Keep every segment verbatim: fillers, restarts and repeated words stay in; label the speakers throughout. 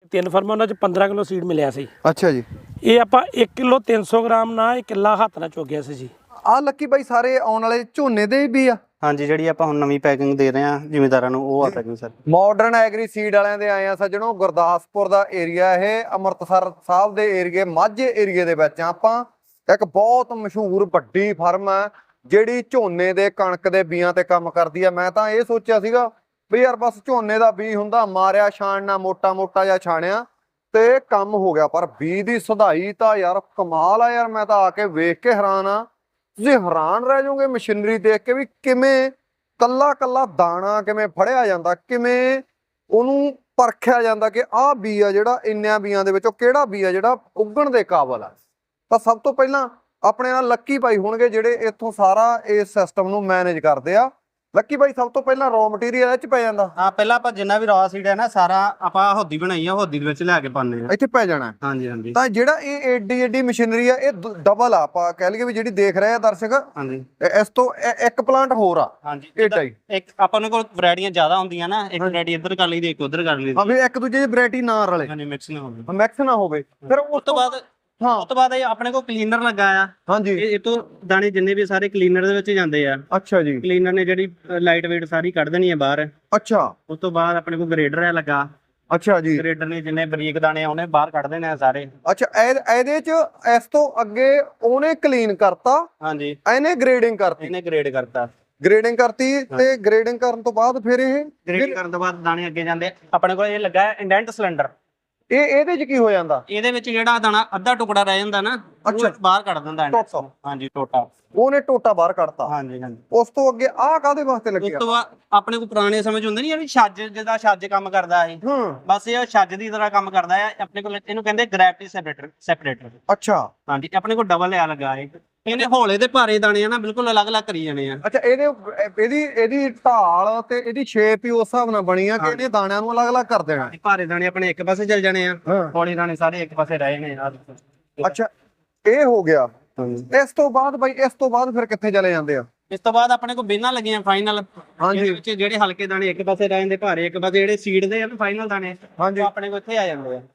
Speaker 1: ਤਿੰਨ ਫਰਮਾਂ ਉਹਨਾਂ 'ਚ ਪੰਦਰਾਂ ਕਿਲੋ ਸੀਡ ਮਿਲਿਆ ਸੀ।
Speaker 2: ਅੱਛਾ ਜੀ।
Speaker 1: ਇਹ ਆਪਾਂ ਇੱਕ ਕਿਲੋ ਤਿੰਨ ਸੌ ਗ੍ਰਾਮ ਨਾਲ ਇਹ ਕਿੱਲਾ ਹੱਥ ਨਾਲ ਚੁੱਕਿਆ ਸੀ ਜੀ।
Speaker 2: ਆ ਲੱਕੀ ਬਾਈ ਸਾਰੇ ਆਉਣ ਵਾਲੇ ਝੋਨੇ ਦੇ ਵੀ ਆ?
Speaker 3: ਹਾਂਜੀ, ਜਿਹੜੀ ਆਪਾਂ ਹੁਣ ਨਵੀਂ ਪੈਕਿੰਗ ਦੇ ਰਹੇ ਆ ਜ਼ਿਮੀਂਦਾਰਾਂ ਨੂੰ, ਉਹ ਆ packing sir.
Speaker 2: Modern agri seed ਵਾਲਿਆਂ ਦੇ ਆਏ ਆ ਸੱਜਣੋ। ਗੁਰਦਾਸਪੁਰ ਦਾ ਏਰੀਆ ਇਹ, ਅੰਮ੍ਰਿਤਸਰ ਸਾਹਿਬ ਦੇ ਏਰੀਏ, ਮਾਝੇ ਏਰੀਏ ਦੇ ਵਿੱਚ ਆਪਾਂ। ਇੱਕ ਬਹੁਤ ਮਸ਼ਹੂਰ ਵੱਡੀ ਫਰਮ ਹੈ ਜਿਹੜੀ ਝੋਨੇ ਦੇ ਕਣਕ ਦੇ ਬੀਆਂ ਤੇ ਕੰਮ ਕਰਦੀ ਆ। ਮੈਂ ਤਾਂ ਇਹ ਸੋਚਿਆ ਸੀਗਾ ਵੀ ਯਾਰ ਬਸ ਝੋਨੇ ਦਾ ਬੀ ਹੁੰਦਾ, ਮਾਰਿਆ ਛਾਣਨਾ, ਮੋਟਾ ਮੋਟਾ ਜਿਹਾ ਛਾਣਿਆ ਤੇ ਕੰਮ ਹੋ ਗਿਆ। ਪਰ ਬੀ ਦੀ ਸੁਧਾਈ ਤਾਂ ਯਾਰ ਕਮਾਲ ਆ ਯਾਰ। ਮੈਂ ਤਾਂ ਆ ਕੇ ਵੇਖ ਕੇ ਹੈਰਾਨ ਆ। ਤੁਸੀਂ ਹੈਰਾਨ ਰਹਿ ਜਾਓਗੇ ਮਸ਼ੀਨਰੀ ਦੇਖ ਕੇ ਵੀ ਕਿਵੇਂ ਕੱਲਾ ਕੱਲਾ ਦਾਣਾ ਕਿਵੇਂ ਫੜਿਆ ਜਾਂਦਾ, ਕਿਵੇਂ ਉਹਨੂੰ ਪਰਖਿਆ ਜਾਂਦਾ ਕਿ ਆਹ ਬੀ ਆ ਜਿਹੜਾ ਇੰਨਿਆਂ ਬੀਆਂ ਦੇ ਵਿੱਚੋਂ ਕਿਹੜਾ ਬੀ ਆ ਜਿਹੜਾ ਉੱਗਣ ਦੇ ਕਾਬਲ ਆ। ਤਾਂ ਸਭ ਤੋਂ ਪਹਿਲਾਂ ਆਪਣੇ ਨਾਲ ਲੱਕੀ ਭਾਈ ਹੋਣਗੇ ਜਿਹੜੇ ਇੱਥੋਂ ਸਾਰਾ ਇਸ ਸਿਸਟਮ ਨੂੰ ਮੈਨੇਜ ਕਰਦੇ ਆ। ਲੱਕੀ ਭਾਈ, ਸਭ ਤੋਂ ਪਹਿਲਾਂ ਰॉ ਮਟੀਰੀਅਲ ਇਹ ਚ ਪੈ ਜਾਂਦਾ?
Speaker 3: ਹਾਂ, ਪਹਿਲਾਂ ਆਪਾਂ ਜਿੰਨਾ ਵੀ ਰॉ ਸੀਡ ਹੈ ਨਾ ਸਾਰਾ ਆਪਾਂ ਹੋਦੀ ਬਣਾਈ ਆ, ਹੋਦੀ ਦੇ ਵਿੱਚ ਲਿਆ ਕੇ ਪਾਉਂਦੇ ਆ,
Speaker 2: ਇੱਥੇ ਪੈ ਜਾਣਾ।
Speaker 3: ਹਾਂਜੀ ਹਾਂਜੀ।
Speaker 2: ਤਾਂ ਜਿਹੜਾ ਇਹ ਏਡੀ ਏਡੀ ਮਸ਼ੀਨਰੀ ਆ ਇਹ ਡਬਲ ਆ, ਆਪਾਂ ਕਹਿ ਲਈਏ ਵੀ ਜਿਹੜੀ ਦੇਖ ਰਹੇ ਆ ਦਰਸ਼ਕ।
Speaker 3: ਹਾਂਜੀ,
Speaker 2: ਇਸ ਤੋਂ ਇੱਕ ਪਲਾਂਟ ਹੋਰ ਆ?
Speaker 3: ਹਾਂਜੀ,
Speaker 2: ਏਡਾ ਹੀ।
Speaker 3: ਇੱਕ ਆਪਾਂ ਨੂੰ ਕੋਲ ਵੈਰਾਈਟੀਆਂ ਜ਼ਿਆਦਾ ਹੁੰਦੀਆਂ ਨਾ, ਇੱਕ ਵੈਰਾਈਟੀ ਇੱਧਰ ਕਰ ਲਈ ਤੇ ਇੱਕ ਉੱਧਰ ਕਰ ਲਈ।
Speaker 2: ਹਾਂ ਵੀ ਇੱਕ ਦੂਜੇ ਦੀ ਵੈਰਾਈਟੀ ਨਾ ਰਲੇ,
Speaker 3: ਹਾਂਜੀ, ਮਿਕਸ ਨਾ ਹੋਵੇ,
Speaker 2: ਮਿਕਸ ਨਾ ਹੋਵੇ। ਫਿਰ
Speaker 3: ਉਸ ਤੋਂ ਬਾਅਦ ਹਾਂ ਉਸ ਤੋਂ ਬਾਅਦ ਇਹ ਆਪਣੇ ਕੋਲ ਕਲੀਨਰ ਲੱਗਾ ਆ।
Speaker 2: ਹਾਂਜੀ,
Speaker 3: ਇਹ ਤੋਂ ਦਾਣੇ ਜਿੰਨੇ ਵੀ ਸਾਰੇ ਕਲੀਨਰ ਦੇ ਵਿੱਚ ਜਾਂਦੇ ਆ।
Speaker 2: ਅੱਛਾ ਜੀ।
Speaker 3: ਕਲੀਨਰ ਨੇ ਜਿਹੜੀ ਲਾਈਟ ਵੇਟ ਸਾਰੀ ਕੱਢ ਦੇਣੀ ਹੈ ਬਾਹਰ।
Speaker 2: ਅੱਛਾ।
Speaker 3: ਉਸ ਤੋਂ ਬਾਅਦ ਆਪਣੇ ਕੋਲ ਗ੍ਰੇਡਰ ਹੈ ਲੱਗਾ।
Speaker 2: ਅੱਛਾ ਜੀ।
Speaker 3: ਗ੍ਰੇਡਰ ਨੇ ਜਿੰਨੇ ਬਰੀਕ ਦਾਣੇ ਆਉਣੇ ਬਾਹਰ ਕੱਢ ਦੇਣੇ ਆ ਸਾਰੇ।
Speaker 2: ਅੱਛਾ, ਇਹਦੇ ਚ ਇਸ ਤੋਂ ਅੱਗੇ ਉਹਨੇ ਕਲੀਨ ਕਰਤਾ,
Speaker 3: ਹਾਂਜੀ,
Speaker 2: ਇਹਨੇ ਗ੍ਰੇਡਿੰਗ ਕਰਤੀ।
Speaker 3: ਇਹਨੇ ਗ੍ਰੇਡ ਕਰਤਾ,
Speaker 2: ਗ੍ਰੇਡਿੰਗ ਕਰਤੀ ਤੇ ਗ੍ਰੇਡਿੰਗ ਕਰਨ ਤੋਂ ਬਾਅਦ ਫਿਰ ਇਹ
Speaker 3: ਗ੍ਰੇਡ ਕਰਨ ਤੋਂ ਬਾਅਦ ਦਾਣੇ ਅੱਗੇ ਜਾਂਦੇ। ਆਪਣੇ ਕੋਲ ਇਹ ਲੱਗਾ ਹੈ ਇੰਡੈਂਟ ਸਿਲੰਡਰ।
Speaker 2: ਇਹ ਇਹਦੇ ਚ ਕੀ ਹੋ ਜਾਂਦਾ?
Speaker 3: ਇਹਦੇ ਵਿੱਚ ਜਿਹੜਾ ਦਾਣਾ ਅੱਧਾ ਟੁਕੜਾ ਰਹਿ ਜਾਂਦਾ ਨਾ, ਉਹ ਬਾਹਰ ਕੱਢ ਦਿੰਦਾ ਹੈ।
Speaker 2: ਟੋਟਾ।
Speaker 3: ਹਾਂਜੀ, ਟੋਟਾ।
Speaker 2: ਉਹਨੇ ਟੋਟਾ ਬਾਹਰ ਕੱਢਤਾ।
Speaker 3: ਹਾਂਜੀ ਹਾਂਜੀ।
Speaker 2: ਉਸ ਤੋਂ ਅੱਗੇ ਆਹ ਕਾਹਦੇ ਵਾਸਤੇ ਲੱਗਿਆ?
Speaker 3: ਉਸ ਤੋਂ ਬਾਅਦ ਆਪਣੇ ਕੋਲ ਪੁਰਾਣੇ ਸਮੇਂ ਚ ਹੁੰਦੇ ਨਹੀਂ, ਜਿਹੜੀ ਛੱਜ, ਜਿਹਦਾ ਛੱਜ ਕੰਮ ਕਰਦਾ ਹੈ।
Speaker 2: ਹੂੰ।
Speaker 3: ਬਸ ਇਹ ਛੱਜ ਦੀ ਤਰ੍ਹਾਂ ਕੰਮ ਕਰਦਾ ਹੈ। ਆਪਣੇ ਕੋਲ ਇਹਨੂੰ ਕਹਿੰਦੇ ਗ੍ਰੈਵਿਟੀ ਸੈਪਰੇਟਰ ਸੈਪਰੇਟਰ
Speaker 2: ਅੱਛਾ।
Speaker 3: ਹਾਂਜੀ, ਆਪਣੇ ਕੋਲ ਡਬਲ ਆ ਲੱਗਾ ਹੈ। ਇਹਨੇ ਹੌਲੇ ਤੇ ਭਾਰੇ ਦਾਣੇ ਆ ਨਾ ਬਿਲਕੁਲ ਅਲੱਗ-ਅਲੱਗ ਕਰੀ ਜਾਣੇ ਆ।
Speaker 2: ਅੱਛਾ, ਇਹਦੇ ਇਹਦੀ ਇਹਦੀ ਢਾਲ ਤੇ ਇਹਦੀ ਸ਼ੇਪ ਹੀ ਉਸ ਹਿਸਾਬ ਨਾਲ ਬਣੀ ਆ ਕਿ ਇਹਨੇ ਦਾਣਿਆਂ ਨੂੰ ਅਲੱਗ-ਅਲੱਗ ਕਰ ਦੇਣਾ।
Speaker 3: ਭਾਰੇ ਦਾਣੇ ਆਪਣੇ ਇੱਕ ਪਾਸੇ ਚੱਲ ਜਾਣੇ ਆ, ਹੌਲੇ ਦਾਣੇ ਸਾਰੇ ਇੱਕ ਪਾਸੇ ਰਹਿ ਜਾਣੇ ਆ।
Speaker 2: ਅੱਛਾ, ਇਹ ਹੋ ਗਿਆ। ਇਸ ਤੋਂ ਬਾਅਦ ਬਾਈ, ਇਸ ਤੋਂ ਬਾਅਦ ਫਿਰ ਕਿੱਥੇ ਚਲੇ ਜਾਂਦੇ ਆ?
Speaker 3: ਇਸ ਤੋਂ ਬਾਅਦ ਆਪਣੇ ਕੋਲ ਬੇਨਾਂ ਲੱਗੀਆਂ ਫਾਈਨਲ।
Speaker 2: ਹਾਂਜੀ,
Speaker 3: ਵਿੱਚ ਜਿਹੜੇ ਹਲਕੇ ਦਾਣੇ ਇੱਕ ਪਾਸੇ ਰਹਿ ਜਾਂਦੇ, ਭਾਰੇ ਇੱਕ ਪਾਸੇ, ਜਿਹੜੇ ਸੀਡ ਦੇ ਆ ਫਾਈਨਲ ਦਾਣੇ,
Speaker 2: ਹਾਂਜੀ,
Speaker 3: ਆਪਣੇ ਕੋਲ ਇੱਥੇ ਆ ਜਾਂਦੇ ਆ।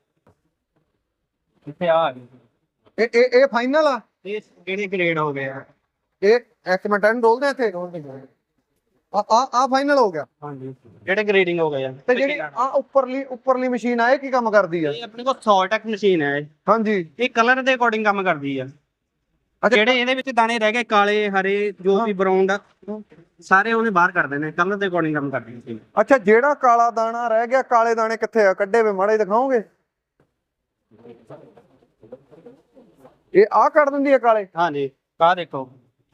Speaker 3: ਇੱਥੇ ਆ ਗਏ।
Speaker 2: ਇਹ ਇਹ ਇਹ ਫਾਈਨਲ ਆ?
Speaker 3: ਇਹ ਕਿਹੜੇ ਗ੍ਰੇਡ ਹੋ ਗਏ ਆ?
Speaker 2: ਇਹ ਇੱਕ ਮਿੰਟ ਇਹਨੂੰ ਡੋਲਦੇ ਇੱਥੇ। ਆ ਆ ਆ ਫਾਈਨਲ ਹੋ ਗਿਆ।
Speaker 3: ਹਾਂਜੀ, ਜਿਹੜੇ ਗ੍ਰੇਡਿੰਗ ਹੋ ਗਏ ਆ।
Speaker 2: ਤੇ ਜਿਹੜੀ ਆ ਉੱਪਰਲੀ ਉੱਪਰਲੀ ਮਸ਼ੀਨ ਆ ਇਹ ਕੀ ਕੰਮ ਕਰਦੀ ਆ?
Speaker 3: ਇਹ ਆਪਣੇ ਕੋਲ ਸੌਲਟੈਕ ਮਸ਼ੀਨ ਹੈ।
Speaker 2: ਹਾਂਜੀ,
Speaker 3: ਇਹ ਕਲਰ ਦੇ ਅਕੋਰਡਿੰਗ ਕੰਮ ਕਰਦੀ ਆ। ਜਿਹੜੇ ਇਹਦੇ ਵਿੱਚ ਦਾਣੇ ਰਹਿ ਗਏ ਕਾਲੇ, ਹਰੇ, ਜੋ ਵੀ ਬਰਾਊਨ ਦਾ, ਸਾਰੇ ਉਹਨੇ ਬਾਹਰ ਕਰ ਦੇਣੇ। ਕਲਰ ਦੇ ਅਕੋਰਡਿੰਗ ਕੰਮ ਕਰਦੀ ਹੈ।
Speaker 2: ਅੱਛਾ, ਜਿਹੜਾ ਕਾਲਾ ਦਾਣਾ ਰਹਿ ਗਿਆ, ਕਾਲੇ ਦਾਣੇ ਕਿੱਥੇ ਆ? ਕੱਢੇ ਵੇ ਮਾੜੇ ਦਿਖਾਓਗੇ? ਇਹ ਆ ਕੱਢ ਦਿੰਦੀ ਆ ਕਾਲੇ?
Speaker 3: ਹਾਂਜੀ, ਆਹ ਦੇਖੋ।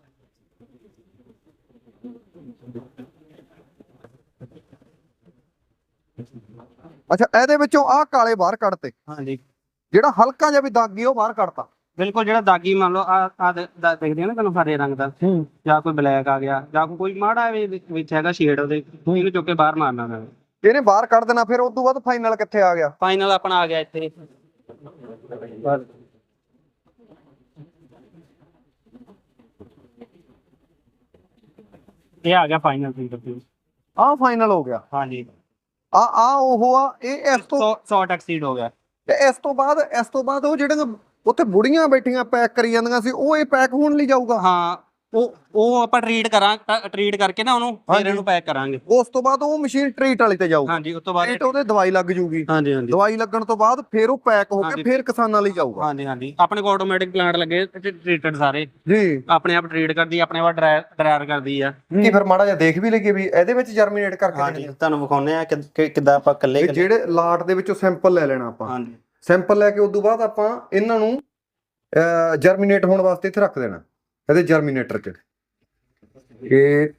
Speaker 2: ਅੱਛਾ, ਇਹਦੇ ਵਿੱਚੋਂ ਆ ਕਾਲੇ ਬਾਹਰ ਕੱਢਤੇ।
Speaker 3: ਹਾਂਜੀ,
Speaker 2: ਜਿਹੜਾ ਹਲਕਾ ਜਿਹਾ ਵੀ ਦਾਗੀ ਉਹ ਬਾਹਰ ਕੱਢਤਾ।
Speaker 3: ਬਿਲਕੁਲ। ਜਿਹੜਾ ਦਾਗੀ ਮੰਨ ਲਓ ਆ ਆ ਦੇਖਦੇ ਆ ਨਾ ਤੁਹਾਨੂੰ ਹਰੇ ਰੰਗ ਦਾ, ਜਾਂ ਕੋਈ ਬਲੈਕ ਆ ਗਿਆ, ਜਾਂ ਕੋਈ ਮਾੜਾ ਵਿੱਚ ਹੈਗਾ ਸ਼ੇਡ, ਉਹਦੇ ਇਹਨੂੰ ਚੁੱਕ ਕੇ ਬਾਹਰ ਮਾਰਨਾ ਪੈਣਾ।
Speaker 2: ਇਹਨੇ ਬਾਹਰ ਕੱਢ ਦੇਣਾ। ਫਿਰ ਉਸ ਤੋਂ ਬਾਅਦ ਫਾਈਨਲ ਕਿੱਥੇ ਆ ਗਿਆ?
Speaker 3: ਫਾਈਨਲ ਆਪਣਾ ਆ ਗਿਆ ਇੱਥੇ। ਇਹ ਆ ਗਿਆ ਫਾਈਨਲ ਫੀਡ।
Speaker 2: ਆਹ ਫਾਈਨਲ ਹੋ ਗਿਆ।
Speaker 3: ਹਾਂਜੀ,
Speaker 2: ਆ ਆ ਉਹ ਆ ਇਹ। ਇਸ ਤੋਂ
Speaker 3: ਸੌ ਟੈਕਸੀਡ ਹੋ ਗਿਆ।
Speaker 2: ਤੇ ਇਸ ਤੋਂ ਬਾਅਦ ਇਸ ਤੋਂ ਬਾਅਦ ਉਹ ਜਿਹੜੇ ਉੱਥੇ ਬੁੜੀਆਂ ਬੈਠੀਆਂ ਪੈਕ ਕਰੀ ਜਾਂਦੀਆਂ ਸੀ, ਉਹ ਇਹ ਪੈਕ ਹੋਣ ਲਈ ਜਾਊਗਾ?
Speaker 3: ਹਾਂ, ਉਹ ਉਹ ਆਪਾਂ ਟ੍ਰੀਟ ਕਰਾਂ ਟ੍ਰੀਟ ਕਰਕੇ ਨਾ ਉਹਨੂੰ, ਫਿਰ ਇਹਨੂੰ ਪੈਕ ਕਰਾਂਗੇ।
Speaker 2: ਉਸ ਤੋਂ ਬਾਅਦ ਉਹ ਮਸ਼ੀਨ ਟ੍ਰੀਟ ਵਾਲੀ ਤੇ ਜਾਊਗੀ?
Speaker 3: ਹਾਂਜੀ, ਉਸ ਤੋਂ ਬਾਅਦ
Speaker 2: ਟ੍ਰੀਟ ਉਹਦੇ ਦਵਾਈ ਲੱਗ ਜੂਗੀ।
Speaker 3: ਹਾਂਜੀ ਹਾਂਜੀ।
Speaker 2: ਦਵਾਈ ਲੱਗਣ ਤੋਂ ਬਾਅਦ ਫਿਰ ਉਹ ਪੈਕ ਹੋ ਕੇ ਫਿਰ ਕਿਸਾਨਾਂ ਲਈ ਜਾਊਗਾ?
Speaker 3: ਹਾਂਜੀ ਹਾਂਜੀ। ਆਪਣੇ ਕੋਲ ਆਟੋਮੈਟਿਕ ਪਲਾਂਟ ਲੱਗੇ ਟ੍ਰੀਟਡ ਸਾਰੇ
Speaker 2: ਜੀ,
Speaker 3: ਆਪਣੇ ਆਪ ਟ੍ਰੀਟ ਕਰਦੀ, ਆਪਣੇ ਆਪ ਡਰਾਇਰ ਕਰਦੀ ਆ।
Speaker 2: ਕੀ ਫਿਰ ਮਾੜਾ ਜਿਹਾ ਦੇਖ ਵੀ ਲਈਏ ਵੀ ਇਹਦੇ ਵਿੱਚ ਜਰਮੀਨੇਟ ਕਰਕੇ?
Speaker 3: ਹਾਂਜੀ, ਤੁਹਾਨੂੰ ਵਿਖਾਉਂਦੇ ਆ ਕਿ ਕਿੱਦਾਂ ਆਪਾਂ ਇਕੱਲੇ
Speaker 2: ਜਿਹੜੇ ਲਾਟ ਦੇ ਵਿੱਚੋਂ ਸੈਂਪਲ ਲੈ ਲੈਣਾ ਆਪਾਂ।
Speaker 3: ਹਾਂਜੀ,
Speaker 2: ਸੈਂਪਲ ਲੈ ਕੇ ਉਸ ਤੋਂ ਬਾਅਦ ਆਪਾਂ ਇਹਨਾਂ ਨੂੰ ਜਰਮੀਨੇਟ ਹੋਣ ਵਾਸਤੇ ਇੱਥੇ ਰੱਖ ਦੇਣਾ ਇਹਦੇ ਜਰਮੀਨੇਟਰ 'ਚ। ਇਹ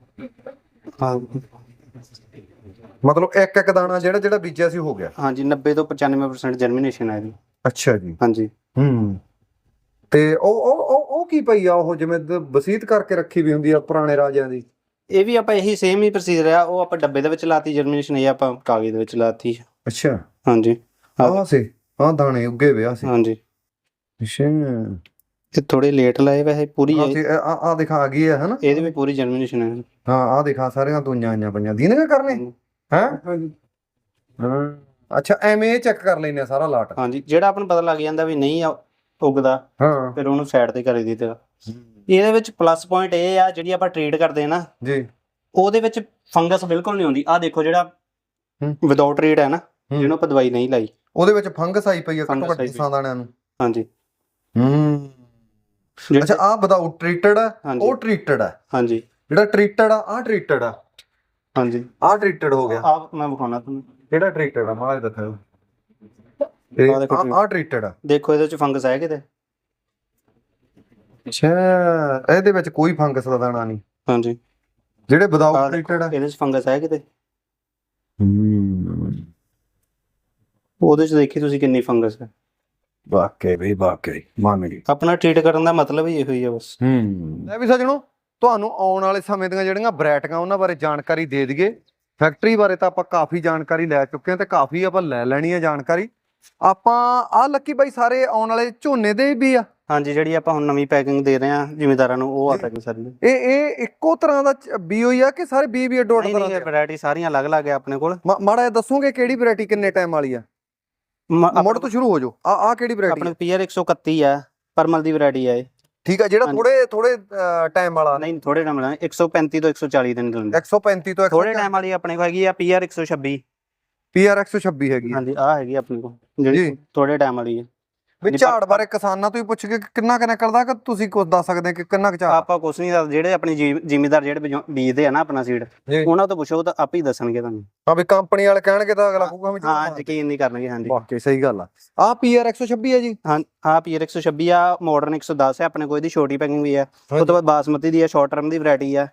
Speaker 2: ਮਤਲਬ ਇੱਕ ਇੱਕ ਦਾਣਾ ਜਿਹੜਾ ਜਿਹੜਾ ਬੀਜਿਆ ਸੀ ਹੋ ਗਿਆ?
Speaker 3: ਹਾਂਜੀ, ਨੱਬੇ ਤੋਂ ਪਚਾਨਵੇਂ ਪਰਸੈਂਟ ਜਰਮੀਨੇਸ਼ਨ ਹੈ ਇਹਦੀ।
Speaker 2: ਅੱਛਾ ਜੀ।
Speaker 3: ਹਾਂਜੀ।
Speaker 2: ਹੂੰ। ਤੇ ਉਹ ਉਹ ਉਹ ਕੀ ਪਈ ਆ ਉਹ, ਜਿਵੇਂ ਵਸੀਤ ਕਰਕੇ ਰੱਖੀ ਵੀ ਹੁੰਦੀ ਆ ਪੁਰਾਣੇ ਰਾਜਿਆਂ ਦੀ?
Speaker 3: ਇਹ ਵੀ ਆਪਾਂ ਇਹੀ ਸੇਮ ਹੀ ਪ੍ਰੋਸੀਜਰ ਆ। ਉਹ ਆਪਾਂ ਡੱਬੇ ਦੇ ਵਿੱਚ ਲਾਤੀ ਜਰਮੀਨੇਸ਼ਨ, ਇਹ ਆਪਾਂ ਕਾਗਜ਼ ਦੇ ਵਿੱਚ ਲਾਤੀ।
Speaker 2: ਅੱਛਾ।
Speaker 3: ਹਾਂਜੀ,
Speaker 2: ਆਹ ਸੀ ਆਹ ਦਾਣੇ ਉੱਗੇ ਵਿਆ ਸੀ।
Speaker 3: ਹਾਂਜੀ।
Speaker 2: ਅੱਛਾ,
Speaker 3: ਇਹ ਥੋੜੇ ਲੇਟ ਲਾਏ ਵੈਸੇ। ਪੂਰੀ
Speaker 2: ਆ ਆ ਦਿਖਾ ਆ ਗਈ ਹੈ ਹਨਾ?
Speaker 3: ਇਹਦੇ ਵੀ ਪੂਰੀ ਜਰਮੀਨੇਸ਼ਨ ਹੈ।
Speaker 2: ਹਾਂ, ਆ ਦਿਖਾ ਸਾਰੀਆਂ ਤੂੰਆਂ ਆਈਆਂ ਪਈਆਂ। ਦੀਨਗਾ ਕਰਨੇ ਹੈ? ਹਾਂ। ਅੱਛਾ ਐਵੇਂ ਇਹ ਚੈੱਕ ਕਰ ਲੈਨੇ ਆ ਸਾਰਾ ਲਾਟ।
Speaker 3: ਹਾਂਜੀ, ਜਿਹੜਾ ਆਪਾਂ ਨੂੰ ਪਤਾ ਲੱਗ ਜਾਂਦਾ ਵੀ ਨਹੀਂ ਆ ਉੱਗਦਾ,
Speaker 2: ਹਾਂ,
Speaker 3: ਫਿਰ ਉਹਨੂੰ ਸਾਈਡ ਤੇ ਕਰੀ ਦਿੱਤਾ। ਇਹਦੇ ਵਿੱਚ ਪਲੱਸ ਪੁਆਇੰਟ ਇਹ ਆ, ਜਿਹੜੀ ਆਪਾਂ ਟ੍ਰੀਟ ਕਰਦੇ ਆ ਨਾ
Speaker 2: ਜੀ,
Speaker 3: ਉਹਦੇ ਵਿੱਚ ਫੰਗਸ ਬਿਲਕੁਲ ਨਹੀਂ ਆਉਂਦੀ। ਆਹ ਦੇਖੋ ਜਿਹੜਾ ਵਿਦਆਊਟ ਟ੍ਰੀਟ ਹੈ ਨਾ, ਜਿਹਨੂੰ ਆਪਾਂ ਦਵਾਈ ਨਹੀਂ ਲਾਈ,
Speaker 2: ਉਹਦੇ ਵਿੱਚ ਫੰਗਸ ਆਈ ਪਈ ਆ ਘੱਟੋ ਘੱਟ ਦਸਾਂ ਦਾਣਿਆਂ ਨੂੰ।
Speaker 3: ਹਾਂਜੀ।
Speaker 2: ਹੂੰ, ਅੱਛਾ ਆਹ ਵਿਦਆਊਟ ਟ੍ਰੀਟਡ ਆ, ਉਹ ਟ੍ਰੀਟਡ ਆ।
Speaker 3: ਹਾਂਜੀ,
Speaker 2: ਜਿਹੜਾ ਟ੍ਰੀਟਡ ਆ ਆਹ ਟ੍ਰੀਟਡ ਆ।
Speaker 3: ਹਾਂਜੀ,
Speaker 2: ਆਹ ਟ੍ਰੀਟਡ ਹੋ ਗਿਆ।
Speaker 3: ਆਹ ਮੈਂ ਵਿਖਾਉਣਾ ਤੁਹਾਨੂੰ,
Speaker 2: ਕਿਹੜਾ ਟ੍ਰੀਟਡ ਆ ਮਾੜਾ ਜਿਹਾ ਦਿਖਾਓ। ਇਹ ਆਹ ਟ੍ਰੀਟਡ ਆ।
Speaker 3: ਦੇਖੋ ਇਹਦੇ ਵਿੱਚ ਫੰਗਸ ਹੈ ਕਿਤੇ?
Speaker 2: ਅੱਛਾ, ਇਹਦੇ ਵਿੱਚ ਕੋਈ ਫੰਗਸ ਦਾ ਦਾਣਾ ਨਹੀਂ।
Speaker 3: ਹਾਂਜੀ,
Speaker 2: ਜਿਹੜੇ ਵਿਦਆਊਟ ਟ੍ਰੀਟਡ ਆ
Speaker 3: ਇਹਦੇ ਵਿੱਚ ਫੰਗਸ ਹੈ ਕਿਤੇ?
Speaker 2: ਹੂੰ,
Speaker 3: ਉਹਦੇ ਚ ਦੇਖੀ ਤੁਸੀਂ ਕਿੰਨੀ ਫੰਗਸ ਹੈ।
Speaker 2: ਵਾਕਈ ਬਈ ਵਾਕਈ ਮੰਨ ਗਈ।
Speaker 3: ਆਪਣਾ ਟ੍ਰੀਟ ਕਰਨ ਦਾ ਮਤਲਬ ਹੀ ਇਹੋ ਹੀ ਆ ਬਸ।
Speaker 2: ਹੂੰ, ਲੈ ਵੀ ਸੱਜਣੋ, ਤੁਹਾਨੂੰ ਆਉਣ ਵਾਲੇ ਸਮੇਂ ਦੀਆਂ ਜਿਹੜੀਆਂ ਵੈਰਾਈਟੀਆਂ ਉਹਨਾਂ ਬਾਰੇ ਜਾਣਕਾਰੀ ਦੇ ਦਈਏ। ਫੈਕਟਰੀ ਬਾਰੇ ਤਾਂ ਆਪਾਂ ਕਾਫੀ ਜਾਣਕਾਰੀ ਲੈ ਚੁੱਕੇ ਹਾਂ ਤੇ ਕਾਫੀ ਆਪਾਂ ਲੈ ਲੈਣੀ ਹੈ ਜਾਣਕਾਰੀ। ਆਪਾਂ ਆਹ ਲੱਕੀ ਬਾਈ ਸਾਰੇ ਆਉਣ ਵਾਲੇ ਝੋਨੇ ਦੇ ਵੀ ਆ।
Speaker 3: ਹਾਂਜੀ, ਜਿਹੜੀ ਆਪਾਂ ਹੁਣ ਨਵੀਂ ਪੈਕਿੰਗ ਦੇ ਰਹੇ ਹਾਂ ਜ਼ਿਮੀਂਦਾਰਾਂ ਨੂੰ, ਉਹ ਆ ਪੈਕਿੰਗ ਸਾਰੀ।
Speaker 2: ਇਹ ਇਹ ਇੱਕੋ ਤਰ੍ਹਾਂ ਦਾ ਬੀ ਹੋਈ ਆ ਕਿ ਸਾਰੇ ਬੀ ਵੀ ਅੱਡੋ ਅੱਡ ਤਰ੍ਹਾਂ ਦੇ?
Speaker 3: ਵੈਰਾਈਟੀ ਸਾਰੀਆਂ ਅਲੱਗ-ਅਲੱਗ ਆ ਆਪਣੇ ਕੋਲ।
Speaker 2: ਮਾੜਾ ਜਿਹਾ ਦੱਸੋਗੇ ਕਿਹੜੀ ਵੈਰਾਈਟੀ ਕਿੰਨੇ ਟਾਈਮ ਵਾਲੀ ਆ? ਮੁੜ ਤੋਂ ਸ਼ੁਰੂ ਹੋ ਜਾਓ। ਆ ਆ ਕਿਹੜੀ ਵੈਰਾਈਟੀ?
Speaker 3: ਆਪਣੇ ਪੀਆਰ ਇੱਕ ਸੌ ਇਕੱਤੀ ਆ, ਪਰਮਲ ਦੀ ਵੈਰਾਈਟੀ ਆ ਇਹ।
Speaker 2: ਠੀਕ ਆ, ਜਿਹੜਾ ਥੋੜੇ ਥੋੜੇ ਟਾਈਮ ਵਾਲਾ?
Speaker 3: ਨਹੀਂ, ਥੋੜੇ ਟਾਈਮ ਵਾਲਾ ਇੱਕ ਸੌ ਪੈਂਤੀ ਤੋਂ ਇੱਕ ਸੌ ਚਾਲੀ ਦਿਨ ਦਿੰਦੇ।
Speaker 2: ਇੱਕ ਸੌ ਪੈਂਤੀ ਤੋਂ
Speaker 3: ਥੋੜੇ ਟਾਈਮ ਵਾਲੀ ਆਪਣੇ ਕੋਲ ਹੈਗੀ ਆ ਪੀਆਰ ਇੱਕ ਸੌ ਛੱਬੀ।
Speaker 2: ਪੀਆਰ ਇੱਕ ਸੌ ਛੱਬੀ ਹੈਗੀ?
Speaker 3: ਹਾਂਜੀ, ਆ ਹੈਗੀ ਆਪਣੇ ਕੋਲ ਜਿਹੜੀ ਥੋੜੇ ਟਾਈਮ ਵਾਲੀ ਹੈ।
Speaker 2: ਵੀ ਝਾੜ ਬਾਰੇ ਕਿਸਾਨਾਂ ਤੋਂ ਹੀ ਪੁੱਛ ਕੇ ਕਿੰਨਾ ਕੁ ਨਿਕਲਦਾ, ਕਿ ਤੁਸੀਂ ਕੁਝ ਦੱਸ ਸਕਦੇ ਕਿ ਕਿੰਨਾ ਕੁ ਝਾੜ?
Speaker 3: ਆਪਾਂ ਕੁਛ ਨਹੀਂ ਦੱਸਦੇ, ਜਿਹੜੇ ਆਪਣੀ ਜ਼ਿਮੀਂਦਾਰ ਜਿਹੜੇ ਬੀਜਦੇ ਆ ਨਾ ਆਪਣਾ ਸੀਡ, ਉਹਨਾਂ ਤੋਂ ਪੁੱਛੋ ਤਾਂ ਆਪੇ ਹੀ ਦੱਸਣਗੇ ਤੁਹਾਨੂੰ।
Speaker 2: ਹਾਂ, ਵੀ ਕੰਪਨੀ ਵਾਲੇ ਕਹਿਣਗੇ ਤਾਂ ਅਗਲਾ ਕਹੂਗਾ ਵੀ
Speaker 3: ਹਾਂ, ਯਕੀਨ ਨਹੀਂ ਕਰਨਗੇ। ਹਾਂਜੀ,
Speaker 2: ਵਾਕਈ ਸਹੀ ਗੱਲ ਆ। ਆ ਪੀਆਰ ਇੱਕ ਸੌ ਛੱਬੀ ਹੈ ਜੀ?
Speaker 3: ਹਾਂ, ਆ ਪੀਆਰ ਇੱਕ ਸੌ ਛੱਬੀ ਆ, ਮਾਡਰਨ ਇੱਕ ਸੌ ਦਸ ਹੈ ਆਪਣੇ ਕੋਲ। ਇਹਦੀ ਛੋਟੀ ਪੈਕਿੰਗ ਵੀ ਆ। ਉਸ ਤੋਂ ਬਾਅਦ ਬਾਸਮਤੀ ਦੀ ਆ, ਸ਼ਾਰਟ ਟਰਮ ਦੀ ਵੈਰਾਈਟੀ ਆ।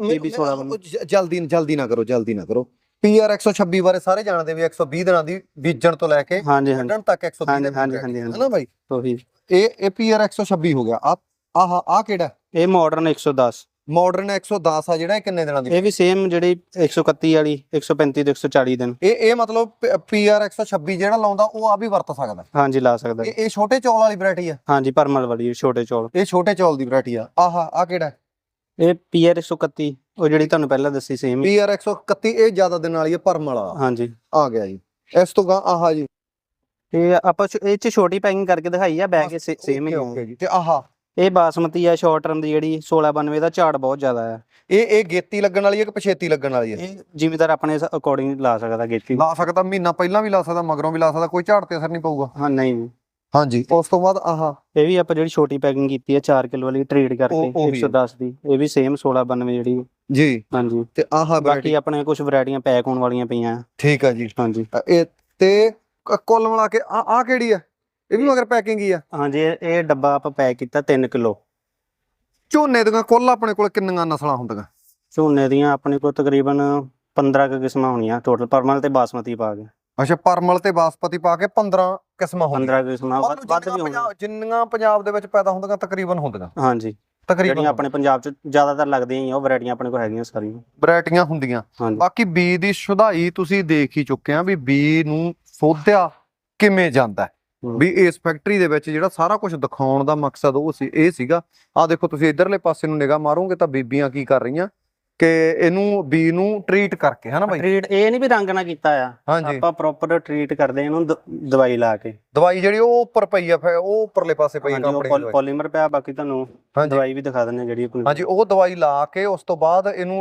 Speaker 2: ਜਲਦੀ ਜਲਦੀ ਨਾ ਕਰੋ, ਜਲਦੀ ਨਾ ਕਰੋ। ਪੀਆਰ ਇੱਕ ਸੌ ਛੱਬੀ ਬਾਰੇ ਸਾਰੇ ਜਾਣਦੇ ਵੀ ਇੱਕ ਸੌ ਵੀਹ ਦਿਨਾਂ ਦੀ ਬੀਜਣ ਤੋਂ ਲੈ ਕੇ ਵੱਢਣ ਤੱਕ ਇੱਕ ਸੌ ਵੀਹ ਦਿਨ ਹੈ ਨਾ ਬਾਈ?
Speaker 3: ਉਹੀ
Speaker 2: ਇਹ ਇਹ ਪੀਆਰ ਇੱਕ ਸੌ ਛੱਬੀ ਹੋ ਗਿਆ। ਆ ਆਹ ਆ ਕਿਹੜਾ?
Speaker 3: ਇਹ ਮਾਡਰਨ ਇੱਕ ਸੌ ਦਸ।
Speaker 2: ਮਾਡਰਨ ਇੱਕ ਸੌ ਦਸ ਆ ਜਿਹੜਾ, ਇਹ ਕਿੰਨੇ ਦਿਨਾਂ ਦੀ?
Speaker 3: ਇਹ ਵੀ ਸੇਮ ਜਿਹੜੀ ਇੱਕ ਸੌ ਇਕੱਤੀ ਵਾਲੀ, ਇੱਕ ਸੌ ਪੈਂਤੀ ਤੋਂ ਇੱਕ ਸੌ ਚਾਲੀ ਦਿਨ।
Speaker 2: ਇਹ ਇਹ ਮਤਲਬ ਪੀਆਰ ਇੱਕ ਸੌ ਛੱਬੀ ਜਿਹੜਾ ਲਾਉਂਦਾ ਉਹ ਆ ਵੀ ਵਰਤ ਸਕਦਾ?
Speaker 3: ਹਾਂਜੀ, ਲਾ ਸਕਦਾ।
Speaker 2: ਇਹ ਇਹ ਛੋਟੇ ਚੌਲ ਵਾਲੀ ਵੈਰਾਈਟੀ ਆ?
Speaker 3: ਹਾਂਜੀ, ਪਰਮਲ ਵਾਲੀ ਛੋਟੇ ਚੌਲ।
Speaker 2: ਇਹ ਛੋਟੇ ਚੌਲ ਦੀ ਵੈਰਾਈਟੀ ਆ। ਆਹ ਆ ਕਿਹੜਾ?
Speaker 3: ਇਹ ਪੀਆਰ ਇੱਕ ਸੌ ਇਕੱਤੀ, ਉਹ ਜਿਹੜੀ ਤੁਹਾਨੂੰ ਪਹਿਲਾਂ ਦੱਸੀ ਸੇਮ।
Speaker 2: ਪੀਆਰ ਇੱਕ ਸੌ ਇਕੱਤੀ ਇਹ ਜ਼ਿਆਦਾ ਦਿਨ ਵਾਲੀ ਹੈ, ਪਰਮਲ ਵਾਲਾ।
Speaker 3: ਹਾਂਜੀ,
Speaker 2: ਆ ਗਿਆ ਜੀ। ਇਸ ਤੋਂ ਗਾ ਆਹ ਜੀ,
Speaker 3: ਇਹ ਆਪਾਂ ਇਹ ਚ ਛੋਟੀ ਪੈਕਿੰਗ ਕਰਕੇ ਦਿਖਾਈ ਆ, ਬੈਗ ਸੇਮ ਹੀ
Speaker 2: ਓਕੇ ਜੀ। ਤੇ ਆਹ
Speaker 3: ਇਹ ਬਾਸਮਤੀ ਆ, ਸ਼ਾਰਟ ਟਰਮ ਦੀ, ਜਿਹੜੀ ਸੋਲਾਂ ਬਾਨਵੇਂ ਦਾ ਝਾੜ ਬਹੁਤ ਜ਼ਿਆਦਾ ਆ।
Speaker 2: ਇਹ ਇਹ ਗੇਤੀ ਲੱਗਣ ਵਾਲੀ ਹੈ ਕਿ ਪਛੇਤੀ ਲੱਗਣ ਵਾਲੀ ਹੈ?
Speaker 3: ਇਹ ਜ਼ਿਮੀਂਦਾਰ ਆਪਣੇ ਅਕੋਰਡਿੰਗ ਲਾ ਸਕਦਾ, ਗੇਤੀ
Speaker 2: ਲਾ ਸਕਦਾ, ਮਹੀਨਾ ਪਹਿਲਾਂ ਵੀ ਲਾ ਸਕਦਾ, ਮਗਰੋਂ ਵੀ ਲਾ ਸਕਦਾ, ਕੋਈ ਝਾੜ ਤੇ ਅਸਰ ਨਹੀਂ ਪਊਗਾ?
Speaker 3: ਹਾਂ, ਨਹੀਂ।
Speaker 2: ਹਾਂਜੀ, ਉਸ ਤੋਂ ਬਾਅਦ ਆਹ
Speaker 3: ਇਹ ਵੀ ਆਪਾਂ ਜਿਹੜੀ ਛੋਟੀ ਪੈਕਿੰਗ ਕੀਤੀ ਹੈ ਚਾਰ ਕਿਲੋ ਵਾਲੀ ਟ੍ਰੀਟ ਕਰਕੇ ਇੱਕ ਸੌ ਦਸ ਦੀ, ਇਹ ਵੀ ਸੇਮ ਸੋਲਾਂ ਬਾਨਵੇਂ ਜਿਹੜੀ
Speaker 2: ਜੀ।
Speaker 3: ਹਾਂਜੀ,
Speaker 2: ਤੇ ਆਹ
Speaker 3: ਬਾਕੀ ਆਪਣੇ ਕੁਝ ਵੈਰਾਈਟੀਆਂ ਪੈਕ ਹੋਣ ਵਾਲੀਆਂ ਪਈਆਂ।
Speaker 2: ਠੀਕ ਆ ਜੀ।
Speaker 3: ਹਾਂਜੀ,
Speaker 2: ਇਹ ਤੇ ਕੁੱਲ ਮਿਲਾ ਕੇ ਆ ਆ ਕਿਹੜੀ ਆ? ਇਹ ਵੀ ਮਗਰ ਪੈਕਿੰਗ ਹੀ ਆ?
Speaker 3: ਹਾਂਜੀ, ਇਹ ਡੱਬਾ ਆਪਾਂ ਪੈਕ ਕੀਤਾ ਤਿੰਨ ਕਿਲੋ।
Speaker 2: ਝੋਨੇ ਦੀਆਂ ਕੁੱਲ ਆਪਣੇ ਕੋਲ ਕਿੰਨੀਆਂ ਨਸਲਾਂ ਹੁੰਦੀਆਂ?
Speaker 3: ਝੋਨੇ ਦੀਆਂ ਆਪਣੇ ਕੋਲ ਤਕਰੀਬਨ ਪੰਦਰਾਂ ਕੁ ਕਿਸਮਾਂ ਹੋਣੀਆਂ ਟੋਟਲ, ਪਰਮਲ ਤੇ ਬਾਸਮਤੀ ਪਾ ਕੇ।
Speaker 2: ਅੱਛਾ, ਪਰਮਲ ਤੇ ਬਾਸਪਤੀ ਪਾ ਕੇ ਪੰਦਰਾਂ ਕਿਸਮਾਂ ਹੁੰਦੀਆਂ?
Speaker 3: ਪੰਦਰਾਂ ਕਿਸਮਾਂ, ਵੱਧ ਵੀ ਹੋਣੀਆਂ
Speaker 2: ਜਿੰਨੀਆਂ ਪੰਜਾਬ ਦੇ ਵਿੱਚ ਪੈਦਾ ਹੁੰਦੀਆਂ ਤਕਰੀਬਨ ਹੁੰਦੀਆਂ।
Speaker 3: ਹਾਂਜੀ,
Speaker 2: ਤਕਰੀਬਨ
Speaker 3: ਆਪਣੇ ਪੰਜਾਬ ਚ ਜ਼ਿਆਦਾਤਰ ਲੱਗਦੀਆਂ ਹੀ ਉਹ ਵੈਰਾਈਟੀਆਂ ਆਪਣੇ ਕੋਲ ਹੈਗੀਆਂ ਸਾਰੀਆਂ
Speaker 2: ਵੈਰਾਈਟੀਆਂ ਹੁੰਦੀਆਂ। ਬਾਕੀ ਬੀ ਦੀ ਸੁਧਾਈ ਤੁਸੀਂ ਦੇਖ ਹੀ ਚੁੱਕੇ ਆ ਵੀ ਬੀ ਨੂੰ ਸੋਧਿਆ ਕਿਵੇਂ ਜਾਂਦਾ, ਵੀ ਇਸ ਫੈਕਟਰੀ ਦੇ ਵਿੱਚ ਜਿਹੜਾ ਸਾਰਾ ਕੁਝ ਦਿਖਾਉਣ ਦਾ ਮਕਸਦ ਉਹ ਸੀ ਇਹ ਸੀਗਾ। ਆ ਦੇਖੋ ਤੁਸੀਂ ਇਧਰਲੇ ਪਾਸੇ ਨੂੰ ਨਿਗਾਹ ਮਾਰੋਗੇ ਤਾਂ ਬੀਬੀਆਂ ਕੀ ਕਰ ਰਹੀਆਂ ਕਿ ਇਹਨੂੰ ਬੀ ਨੂੰ ਟ੍ਰੀਟ ਕਰਕੇ, ਹਨਾ ਬਾਈ?
Speaker 3: ਟ੍ਰੀਟ ਇਹ ਨਹੀਂ ਵੀ ਰੰਗ ਨਾਲ ਕੀਤਾ ਆ,
Speaker 2: ਹਾਂਜੀ,
Speaker 3: ਆਪਾਂ ਪ੍ਰੋਪਰ ਟ੍ਰੀਟ ਕਰਦੇ ਇਹਨੂੰ ਦਵਾਈ ਲਾ ਕੇ।
Speaker 2: ਦਵਾਈ ਜਿਹੜੀ ਉਹ ਉੱਪਰ ਪਈ ਆ, ਫਿਰ ਉਹ ਉੱਪਰਲੇ ਪਾਸੇ ਪਈ ਕੰਪਨੀ ਦੀ
Speaker 3: ਪੋਲੀਮਰ ਪਿਆ। ਬਾਕੀ ਤੁਹਾਨੂੰ ਦਵਾਈ ਵੀ ਦਿਖਾ ਦਿੰਦੇ ਜਿਹੜੀ ਆਪਣੀ।
Speaker 2: ਹਾਂਜੀ, ਉਹ ਦਵਾਈ ਲਾ ਕੇ ਉਸ ਤੋਂ ਬਾਅਦ ਇਹਨੂੰ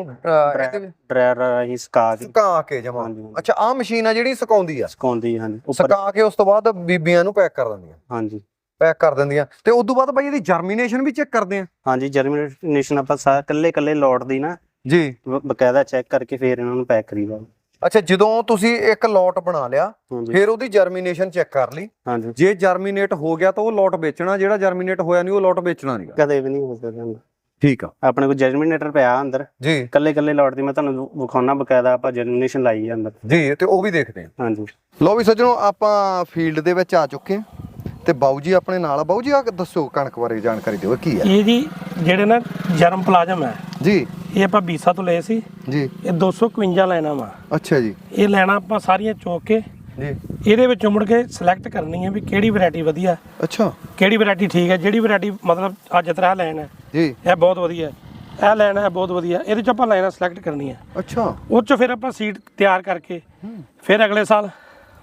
Speaker 3: ਡਰਾਇਰ ਰਾਹੀਂ ਸੁਕਾ ਕੇ
Speaker 2: ਸੁਕਾ ਕੇ ਜਮਾ। ਅੱਛਾ, ਆਹ ਮਸ਼ੀਨ ਆ ਜਿਹੜੀ ਸੁਕਾਉਂਦੀ ਆ?
Speaker 3: ਸੁਕਾਉਂਦੀ, ਹਾਂਜੀ।
Speaker 2: ਸੁਕਾ ਕੇ ਉਸ ਤੋਂ ਬਾਅਦ ਬੀਬੀਆਂ ਨੂੰ ਪੈਕ ਕਰ ਦਿੰਦੀਆਂ?
Speaker 3: ਹਾਂਜੀ,
Speaker 2: ਪੈਕ ਕਰ ਦਿੰਦੀਆਂ। ਤੇ ਉਸ ਤੋਂ ਬਾਅਦ ਬਾਈ ਇਹਦੀ ਜਰਮੀਨੇਸ਼ਨ ਵੀ ਚੈੱਕ ਕਰਦੇ ਆ?
Speaker 3: ਹਾਂਜੀ, ਜਰਮੀਨੇਸ਼ਨ ਆਪਾਂ ਸਾਰੇ ਕੱਲੇ ਕੱਲੇ ਲੋਟ ਦੀ ਨਾ
Speaker 2: ਜੀ
Speaker 3: ਬਕਾਇਦਾ ਚੈੱਕ ਕਰਕੇ ਫਿਰ ਇਹਨਾਂ ਨੂੰ ਪੈਕ ਕਰੀਦਾ।
Speaker 2: ਅੱਛਾ, ਜਦੋਂ ਤੁਸੀਂ ਇੱਕ ਲੋਟ ਬਣਾ ਲਿਆ ਫਿਰ ਉਹਦੀ ਜਰਮੀਨੇਸ਼ਨ ਚੈੱਕ ਕਰ ਲਈ?
Speaker 3: ਹਾਂਜੀ,
Speaker 2: ਜੇ ਜਰਮੀਨੇਟ ਹੋ ਗਿਆ ਤਾਂ ਉਹ ਲੋਟ ਵੇਚਣਾ, ਜਿਹੜਾ ਜਰਮੀਨੇਟ ਹੋਇਆ ਨਹੀਂ ਉਹ ਲੋਟ ਵੇਚਣਾ ਨਹੀਂ
Speaker 3: ਕਦੇ ਵੀ ਨਹੀਂ ਹੋ ਸਕਦਾ।
Speaker 2: ਠੀਕ ਆ,
Speaker 3: ਆਪਣੇ ਕੋਲ ਜਰਮੀਨੇਟਰ ਪਿਆ ਅੰਦਰ
Speaker 2: ਜੀ,
Speaker 3: ਕੱਲੇ ਕੱਲੇ ਲੋਟ ਦੀ ਮੈਂ ਤੁਹਾਨੂੰ ਵਿਖਾਉਣਾ, ਬਕਾਇਦਾ ਆਪਾਂ ਜਰਮੀਨੇਸ਼ਨ ਲਾਈ ਹੈ ਅੰਦਰ
Speaker 2: ਜੀ, ਤੇ ਉਹ ਵੀ ਦੇਖਦੇ ਆ।
Speaker 3: ਹਾਂਜੀ,
Speaker 2: ਲੋ ਵੀ ਸੱਜਣੋ, ਆਪਾਂ ਫੀਲਡ ਦੇ ਵਿੱਚ ਆ ਚੁੱਕੇ ਆ ਤੇ ਬਾਊ ਜੀ ਆਪਣੇ ਨਾਲ ਆ। ਬਾਊ ਜੀ ਆ ਦੱਸੋ ਕਣਕ ਬਾਰੇ ਜਾਣਕਾਰੀ ਦਿਓ, ਕੀ ਹੈ
Speaker 1: ਇਹ ਜੀ? ਜਿਹੜੇ ਨਾ ਜਰਮ ਪਲਾਜ਼ਮ ਹੈ
Speaker 2: ਜੀ,
Speaker 1: ਇਹ ਆਪਾਂ ਬੀਸਾ ਤੋਂ ਲਏ ਸੀ
Speaker 2: ਜੀ।
Speaker 1: ਇਹ ਦੋ ਸੌ ਇਕਵੰਜਾ ਲੈਣਾ ਵਾ।
Speaker 2: ਅੱਛਾ ਜੀ।
Speaker 1: ਇਹ ਲੈਣਾ ਆਪਾਂ ਸਾਰੀਆਂ ਚੋਕ ਕੇ
Speaker 2: ਜੀ,
Speaker 1: ਇਹਦੇ ਵਿੱਚੋਂ ਮੁੜ ਕੇ ਸਿਲੈਕਟ ਕਰਨੀ ਹੈ ਵੀ ਕਿਹੜੀ ਵੈਰਾਈਟੀ ਵਧੀਆ,
Speaker 2: ਅੱਛਾ,
Speaker 1: ਕਿਹੜੀ ਵੈਰਾਈਟੀ ਠੀਕ ਹੈ। ਜਿਹੜੀ ਵੈਰਾਈਟੀ ਮਤਲਬ ਅੱਜ ਤਰ੍ਹਾਂ ਲੈਣ ਹੈ
Speaker 2: ਜੀ,
Speaker 1: ਇਹ ਬਹੁਤ ਵਧੀਆ, ਇਹ ਲੈਣਾ ਹੈ ਬਹੁਤ ਵਧੀਆ, ਇਹਦੇ ਚ ਆਪਾਂ ਲਾਈਨਾਂ ਸਿਲੈਕਟ ਕਰਨੀ ਹੈ।
Speaker 2: ਅੱਛਾ,
Speaker 1: ਉਹ ਚ ਫਿਰ ਆਪਾਂ ਸੀਡ ਤਿਆਰ ਕਰਕੇ ਫਿਰ ਅਗਲੇ ਸਾਲ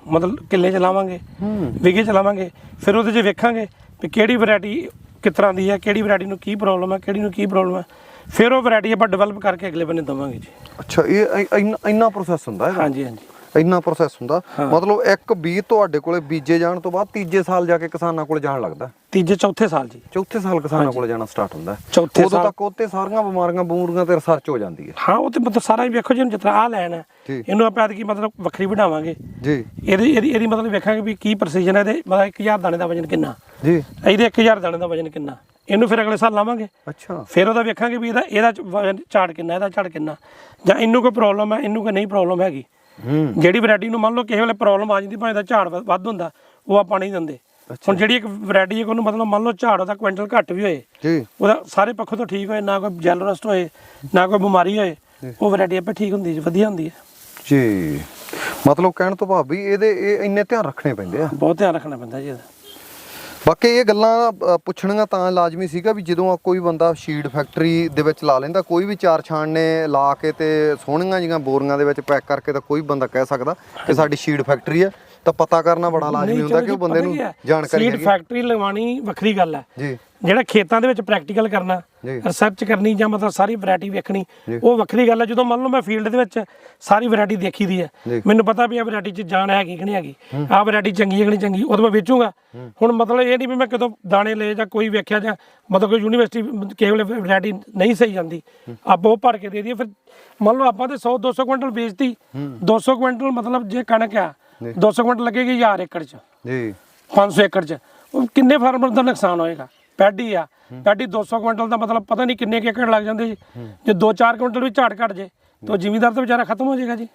Speaker 1: ਮਤਲਬ ਕਿੱਲੇ ਚ ਲਾਵਾਂਗੇ ਵਿਗੇ ਚ ਲਾਵਾਂਗੇ ਫਿਰ ਉਹਦੇ 'ਚ ਵੇਖਾਂਗੇ ਵੀ ਕਿਹੜੀ ਵੈਰਾਈਟੀ ਕਿਸ ਤਰ੍ਹਾਂ ਦੀ ਹੈ, ਕਿਹੜੀ ਵੈਰਾਈਟੀ ਨੂੰ ਕੀ ਪ੍ਰੋਬਲਮ ਹੈ, ਕਿਹੜੀ ਨੂੰ ਕੀ ਪ੍ਰੋਬਲਮ ਹੈ, ਫਿਰ ਉਹ ਵੈਰਾਈਟੀ ਆਪਾਂ ਡਿਵੈਲਪ ਕਰਕੇ ਅਗਲੇ ਬੰਨੇ ਦੇਵਾਂਗੇ ਜੀ।
Speaker 2: ਅੱਛਾ, ਇਹ ਇੰਨਾ ਇੰਨਾ ਪ੍ਰੋਸੈਸ ਹੁੰਦਾ ਹੈ?
Speaker 1: ਹਾਂਜੀ ਹਾਂਜੀ,
Speaker 2: ਇੰਨਾ ਪ੍ਰੋਸੈਸ ਹੁੰਦਾ। ਮਤਲਬ ਇੱਕ ਬੀਜ ਤੁਹਾਡੇ ਕੋਲੇ ਬੀਜੇ ਜਾਣ ਤੋਂ ਬਾਅਦ ਤੀਜੇ ਸਾਲ ਜਾ ਕੇ ਕਿਸਾਨਾਂ ਕੋਲ ਜਾਣ ਲੱਗਦਾ?
Speaker 1: ਤੀਜੇ ਚੌਥੇ ਸਾਲ ਜੀ।
Speaker 2: ਚੌਥੇ ਸਾਲ ਕਿਸਾਨਾਂ ਕੋਲ ਜਾਣਾ ਸਟਾਰਟ ਹੁੰਦਾ?
Speaker 1: ਚੌਥੇ
Speaker 2: ਉਦੋਂ
Speaker 1: ਸਾਲ
Speaker 2: ਤੱਕ ਉੱਤੇ ਸਾਰੀਆਂ ਬਿਮਾਰੀਆਂ ਬੂਰੀਆਂ ਤੇ ਰਿਸਰਚ ਹੋ ਜਾਂਦੀ ਹੈ?
Speaker 1: ਹਾਂ, ਉਹ ਤੇ ਮਤਲਬ ਸਾਰਾ ਹੀ ਵੇਖੋ ਜੀ, ਜਿਸ ਤਰ੍ਹਾਂ ਆਹ ਲੈਣ ਹੈ ਇਹਨੂੰ ਆਪਾਂ ਐਤਕੀ ਮਤਲਬ ਵੱਖਰੀ ਵਧਾਵਾਂਗੇ
Speaker 2: ਜੀ।
Speaker 1: ਇਹਦੀ ਇਹਦੀ ਇਹਦੀ ਮਤਲਬ ਵੇਖਾਂਗੇ ਵੀ ਕੀ ਪ੍ਰੈਸੀਜਨ ਹੈ ਇਹਦੇ, ਮਤਲਬ ਇੱਕ ਹਜ਼ਾਰ ਦਾਣੇ ਦਾ ਵਜਨ ਕਿੰਨਾ
Speaker 2: ਜੀ,
Speaker 1: ਇਹਦੇ ਇੱਕ ਹਜ਼ਾਰ ਦਾਣੇ ਦਾ ਵਜਨ ਕਿੰਨਾ, ਇਹਨੂੰ ਫਿਰ ਅਗਲੇ ਸਾਲ ਲਾਵਾਂਗੇ।
Speaker 2: ਅੱਛਾ, ਫਿਰ
Speaker 1: ਉਹਦਾ ਵੇਖਾਂਗੇ ਵੀ ਇਹਦਾ ਇਹਦਾ ਵਜਨ ਝਾੜ ਕਿੰਨਾ, ਇਹਦਾ ਝਾੜ ਕਿੰਨਾ, ਜਾਂ ਇਹਨੂੰ ਕੋਈ ਪ੍ਰੋਬਲਮ ਹੈ, ਇਹਨੂੰ ਕੋਈ ਨਹੀਂ ਪ੍ਰੋਬਲਮ ਹੈਗੀ। ਜਿਹੜੀ ਵੈਰਾਈਟੀ ਨੂੰ ਮੰਨ ਲਓ ਕਿਸੇ ਵੇਲੇ ਪ੍ਰੋਬਲਮ ਆ ਜਾਂਦੀ, ਭਾਵੇਂ ਦਾ ਝਾੜ ਵੱਧ ਹੁੰਦਾ, ਉਹ ਆਪਾਂ ਨਹੀਂ ਦਿੰਦੇ। ਹੁਣ ਜਿਹੜੀ ਇੱਕ ਵੈਰਾਈਟੀ ਹੈ ਉਹਨੂੰ ਮਤਲਬ ਮੰਨ ਲਓ ਝਾੜ ਉਹਦਾ ਕੁਇੰਟਲ ਘੱਟ ਵੀ ਹੋਏ
Speaker 2: ਜੀ,
Speaker 1: ਉਹਦਾ ਸਾਰੇ ਪੱਖੋਂ ਤੋਂ ਠੀਕ ਹੋਏ, ਨਾ ਕੋਈ ਜੈਲ ਰਸਟ ਹੋਏ, ਨਾ ਕੋਈ ਬਿਮਾਰੀ ਹੋਏ, ਉਹ ਵੈਰਾਈਟੀ ਆਪੇ ਠੀਕ ਹੁੰਦੀ ਜੀ, ਵਧੀਆ ਹੁੰਦੀ ਹੈ
Speaker 2: ਜੀ। ਮਤਲਬ ਕਹਿਣ ਤੋਂ ਭਾਵ ਵੀ ਇਹਦੇ ਇਹ ਇੰਨੇ ਧਿਆਨ ਰੱਖਣੇ ਪੈਂਦੇ ਆ?
Speaker 1: ਬਹੁਤ ਧਿਆਨ ਰੱਖਣਾ ਪੈਂਦਾ ਜੀ ਇਹਦਾ।
Speaker 2: ਬਾਕੀ ਇਹ ਗੱਲਾਂ ਅ, ਪੁੱਛਣੀਆਂ ਤਾਂ ਲਾਜ਼ਮੀ ਸੀਗਾ ਵੀ ਜਦੋਂ ਕੋਈ ਬੰਦਾ ਸ਼ੀਡ ਫੈਕਟਰੀ ਦੇ ਵਿੱਚ ਲਾ ਲੈਂਦਾ, ਕੋਈ ਵੀ ਚਾਰ ਛਾਣਨੇ ਲਾ ਕੇ ਤੇ ਸੋਹਣੀਆਂ ਜਿਹੀਆਂ ਬੋਰੀਆਂ ਦੇ ਵਿੱਚ ਪੈਕ ਕਰਕੇ ਤਾਂ ਕੋਈ ਬੰਦਾ ਕਹਿ ਸਕਦਾ ਕਿ ਸਾਡੀ ਸ਼ੀਡ ਫੈਕਟਰੀ ਹੈ, ਤਾਂ ਪਤਾ ਕਰਨਾ ਬੜਾ ਲਾਜ਼ਮੀ ਹੁੰਦਾ ਕਿ ਉਹ ਬੰਦੇ ਨੂੰ ਜਾਣਕਾਰੀ
Speaker 1: ਸੀਡ ਫੈਕਟਰੀ ਲਗਵਾਉਣੀ ਵੱਖਰੀ ਗੱਲ ਹੈ
Speaker 2: ਜੀ।
Speaker 1: ਜਿਹੜਾ ਖੇਤਾਂ ਦੇ ਵਿੱਚ ਪ੍ਰੈਕਟੀਕਲ ਕਰਨਾ, ਰਿਸਰਚ ਕਰਨੀ, ਜਾਂ ਮਤਲਬ ਸਾਰੀ ਵੈਰਾਈਟੀ ਵੇਖਣੀ, ਉਹ ਵੱਖਰੀ ਗੱਲ ਹੈ। ਜਦੋਂ ਮੰਨ ਲਓ ਮੈਂ ਫੀਲਡ ਦੇ ਵਿੱਚ ਸਾਰੀ ਵੈਰਾਈਟੀ ਦੇਖੀ ਦੀ ਹੈ, ਮੈਨੂੰ ਪਤਾ ਵੀ ਆ ਵੈਰਾਈਟੀ 'ਚ ਜਾਨ ਹੈਗੀ ਕਿ ਨਹੀਂ ਹੈਗੀ, ਆਹ ਵੈਰਾਈਟੀ ਚੰਗੀ ਹੈ ਕਿ ਨਹੀਂ ਚੰਗੀ, ਉਹ ਤਾਂ ਮੈਂ ਵੇਚੂਗਾ। ਹੁਣ ਮਤਲਬ ਇਹ ਨਹੀਂ ਵੀ ਮੈਂ ਕਦੋਂ ਦਾਣੇ ਲਏ ਜਾਂ ਕੋਈ ਵੇਖਿਆ, ਜਾਂ ਮਤਲਬ ਕੋਈ ਯੂਨੀਵਰਸਿਟੀ ਕਿਸੇ ਵੇਲੇ ਵੈਰਾਈਟੀ ਨਹੀਂ ਸਹੀ ਜਾਂਦੀ, ਆਪਾਂ ਉਹ ਭਰ ਕੇ ਦੇ ਦਈਏ। ਫਿਰ ਮੰਨ ਲਓ ਆਪਾਂ ਤੇ ਸੌ ਦੋ ਸੌ ਕੁਇੰਟਲ ਵੇਚਤੀ, ਦੋ ਸੌ ਕੁਇੰਟਲ ਮਤਲਬ ਜੇ ਕਣਕ ਆ ਦੋ ਸੌ ਕੁਇੰਟਲ ਲੱਗੇਗੀ ਹਜ਼ਾਰ ਏਕੜ 'ਚ ਜੀ, ਪੰਜ ਸੌ ਏਕੜ 'ਚ, ਉਹ ਕਿੰਨੇ ਫਾਰਮਰ ਦਾ ਨੁਕਸਾਨ ਹੋਏਗਾ। ਪੈਡੀ ਆ, ਪੈਡੀ ਦੋ ਸੌ ਕੁਇੰਟਲ ਦਾ ਮਤਲਬ ਪਤਾ ਨਹੀਂ ਕਿੰਨੇ ਏਕੜ ਲੱਗ ਜਾਂਦੇ ਜੀ। ਜੇ ਦੋ ਚਾਰ ਕੁਇੰਟਲ ਵੀ ਝਾੜ ਘਟ ਜੇ ਤਾਂ ਜ਼ਿਮੀਂਦਾਰ ਤਾਂ ਵਿਚਾਰਾ ਖਤਮ ਹੋ ਜਾਏਗਾ ਜੀ।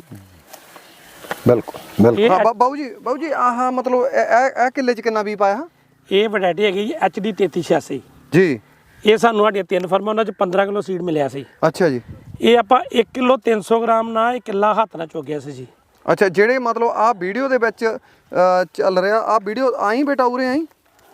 Speaker 2: ਬਿਲਕੁਲ ਬਿਲਕੁਲ। ਹਾਂ ਬਾਬੂ ਜੀ, ਬਾਬੂ ਜੀ ਆਹ ਮਤਲਬ ਇਹ ਇਹ ਕਿੱਲੇ 'ਚ ਕਿੰਨਾ ਵੀ ਪਾਇਆ?
Speaker 1: ਇਹ ਵੈਰਾਈਟੀ ਹੈਗੀ ਜੀ ਐਚ ਡੀ ਤੇਤੀ ਛਿਆਸੀ
Speaker 2: ਜੀ।
Speaker 1: ਇਹ ਸਾਨੂੰ ਸਾਡੀਆਂ ਤਿੰਨ ਫਰਮਾਂ, ਉਹਨਾਂ 'ਚ ਪੰਦਰਾਂ ਕਿਲੋ ਸੀਡ ਮਿਲਿਆ ਸੀ।
Speaker 2: ਅੱਛਾ ਜੀ।
Speaker 1: ਇਹ ਆਪਾਂ ਇੱਕ ਕਿਲੋ ਤਿੰਨ ਸੌ ਗ੍ਰਾਮ ਨਾਲ ਇਹ ਕਿੱਲਾ ਹੱਥ ਨਾਲ ਚੁੱਕਿਆ ਸੀ ਜੀ।
Speaker 2: ਅੱਛਾ, ਜਿਹੜੇ ਮਤਲਬ ਆਹ ਵੀਡੀਓ ਦੇ ਵਿੱਚ ਚੱਲ ਰਿਹਾ, ਆਹ ਵੀਡੀਓ ਆਈ ਬੇਟਾ ਉਰੇ ਆਈ,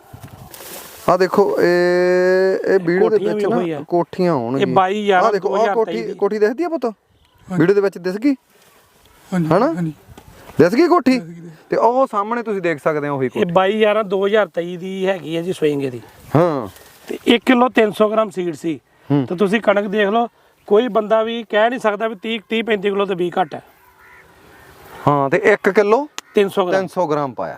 Speaker 2: ਆ ਦੇਖੋ ਇਹ ਇਹ ਵੀਡੀਓ ਦੇ ਵਿੱਚ ਨਾ ਕੋਠੀਆਂ ਹੋਣਗੀਆਂ।
Speaker 1: ਇਹ ਬਾਈ ਹਜ਼ਾਰ
Speaker 2: ਆ ਦੇਖੋ, ਆਹ ਕੋਠੀ ਕੋਠੀ ਦਿਖਦੀ ਆ ਪੁੱਤ ਵੀਡੀਓ ਦੇ ਵਿੱਚ? ਦਿਸ ਗਈ ਹਨਾ? ਦਿਸ ਗਈ ਕੋਠੀ? ਤੇ ਉਹ ਸਾਹਮਣੇ ਤੁਸੀਂ ਦੇਖ ਸਕਦੇ ਹੋ ਉਹੀ ਕੋਠੀ।
Speaker 1: ਇਹ ਬਾਈ ਹਜ਼ਾਰ ਦੋ ਹਜ਼ਾਰ ਤੇਈ ਦੀ ਹੈਗੀ ਹੈ ਜੀ ਸਵਿੰਗ ਦੀ।
Speaker 2: ਹਾਂ, ਤੇ
Speaker 1: ਇੱਕ ਕਿਲੋ ਤਿੰਨ ਸੌ ਗ੍ਰਾਮ ਸੀਡ ਸੀ। ਤੇ ਤੁਸੀਂ ਕਣਕ ਦੇਖ ਲਓ, ਕੋਈ ਬੰਦਾ ਵੀ ਕਹਿ ਨਹੀਂ ਸਕਦਾ ਵੀ ਤੀਹ ਤੀਹ ਪੈਂਤੀ ਕਿਲੋ ਤੇ ਬੀਜ ਘੱਟ ਹੈ।
Speaker 2: ਹਾਂ, ਤੇ ਇੱਕ ਕਿਲੋ
Speaker 1: ਤਿੰਨ ਸੌ ਗ੍ਰਾਮ
Speaker 2: ਤਿੰਨ ਸੌ ਗ੍ਰਾਮ ਪਾਇਆ।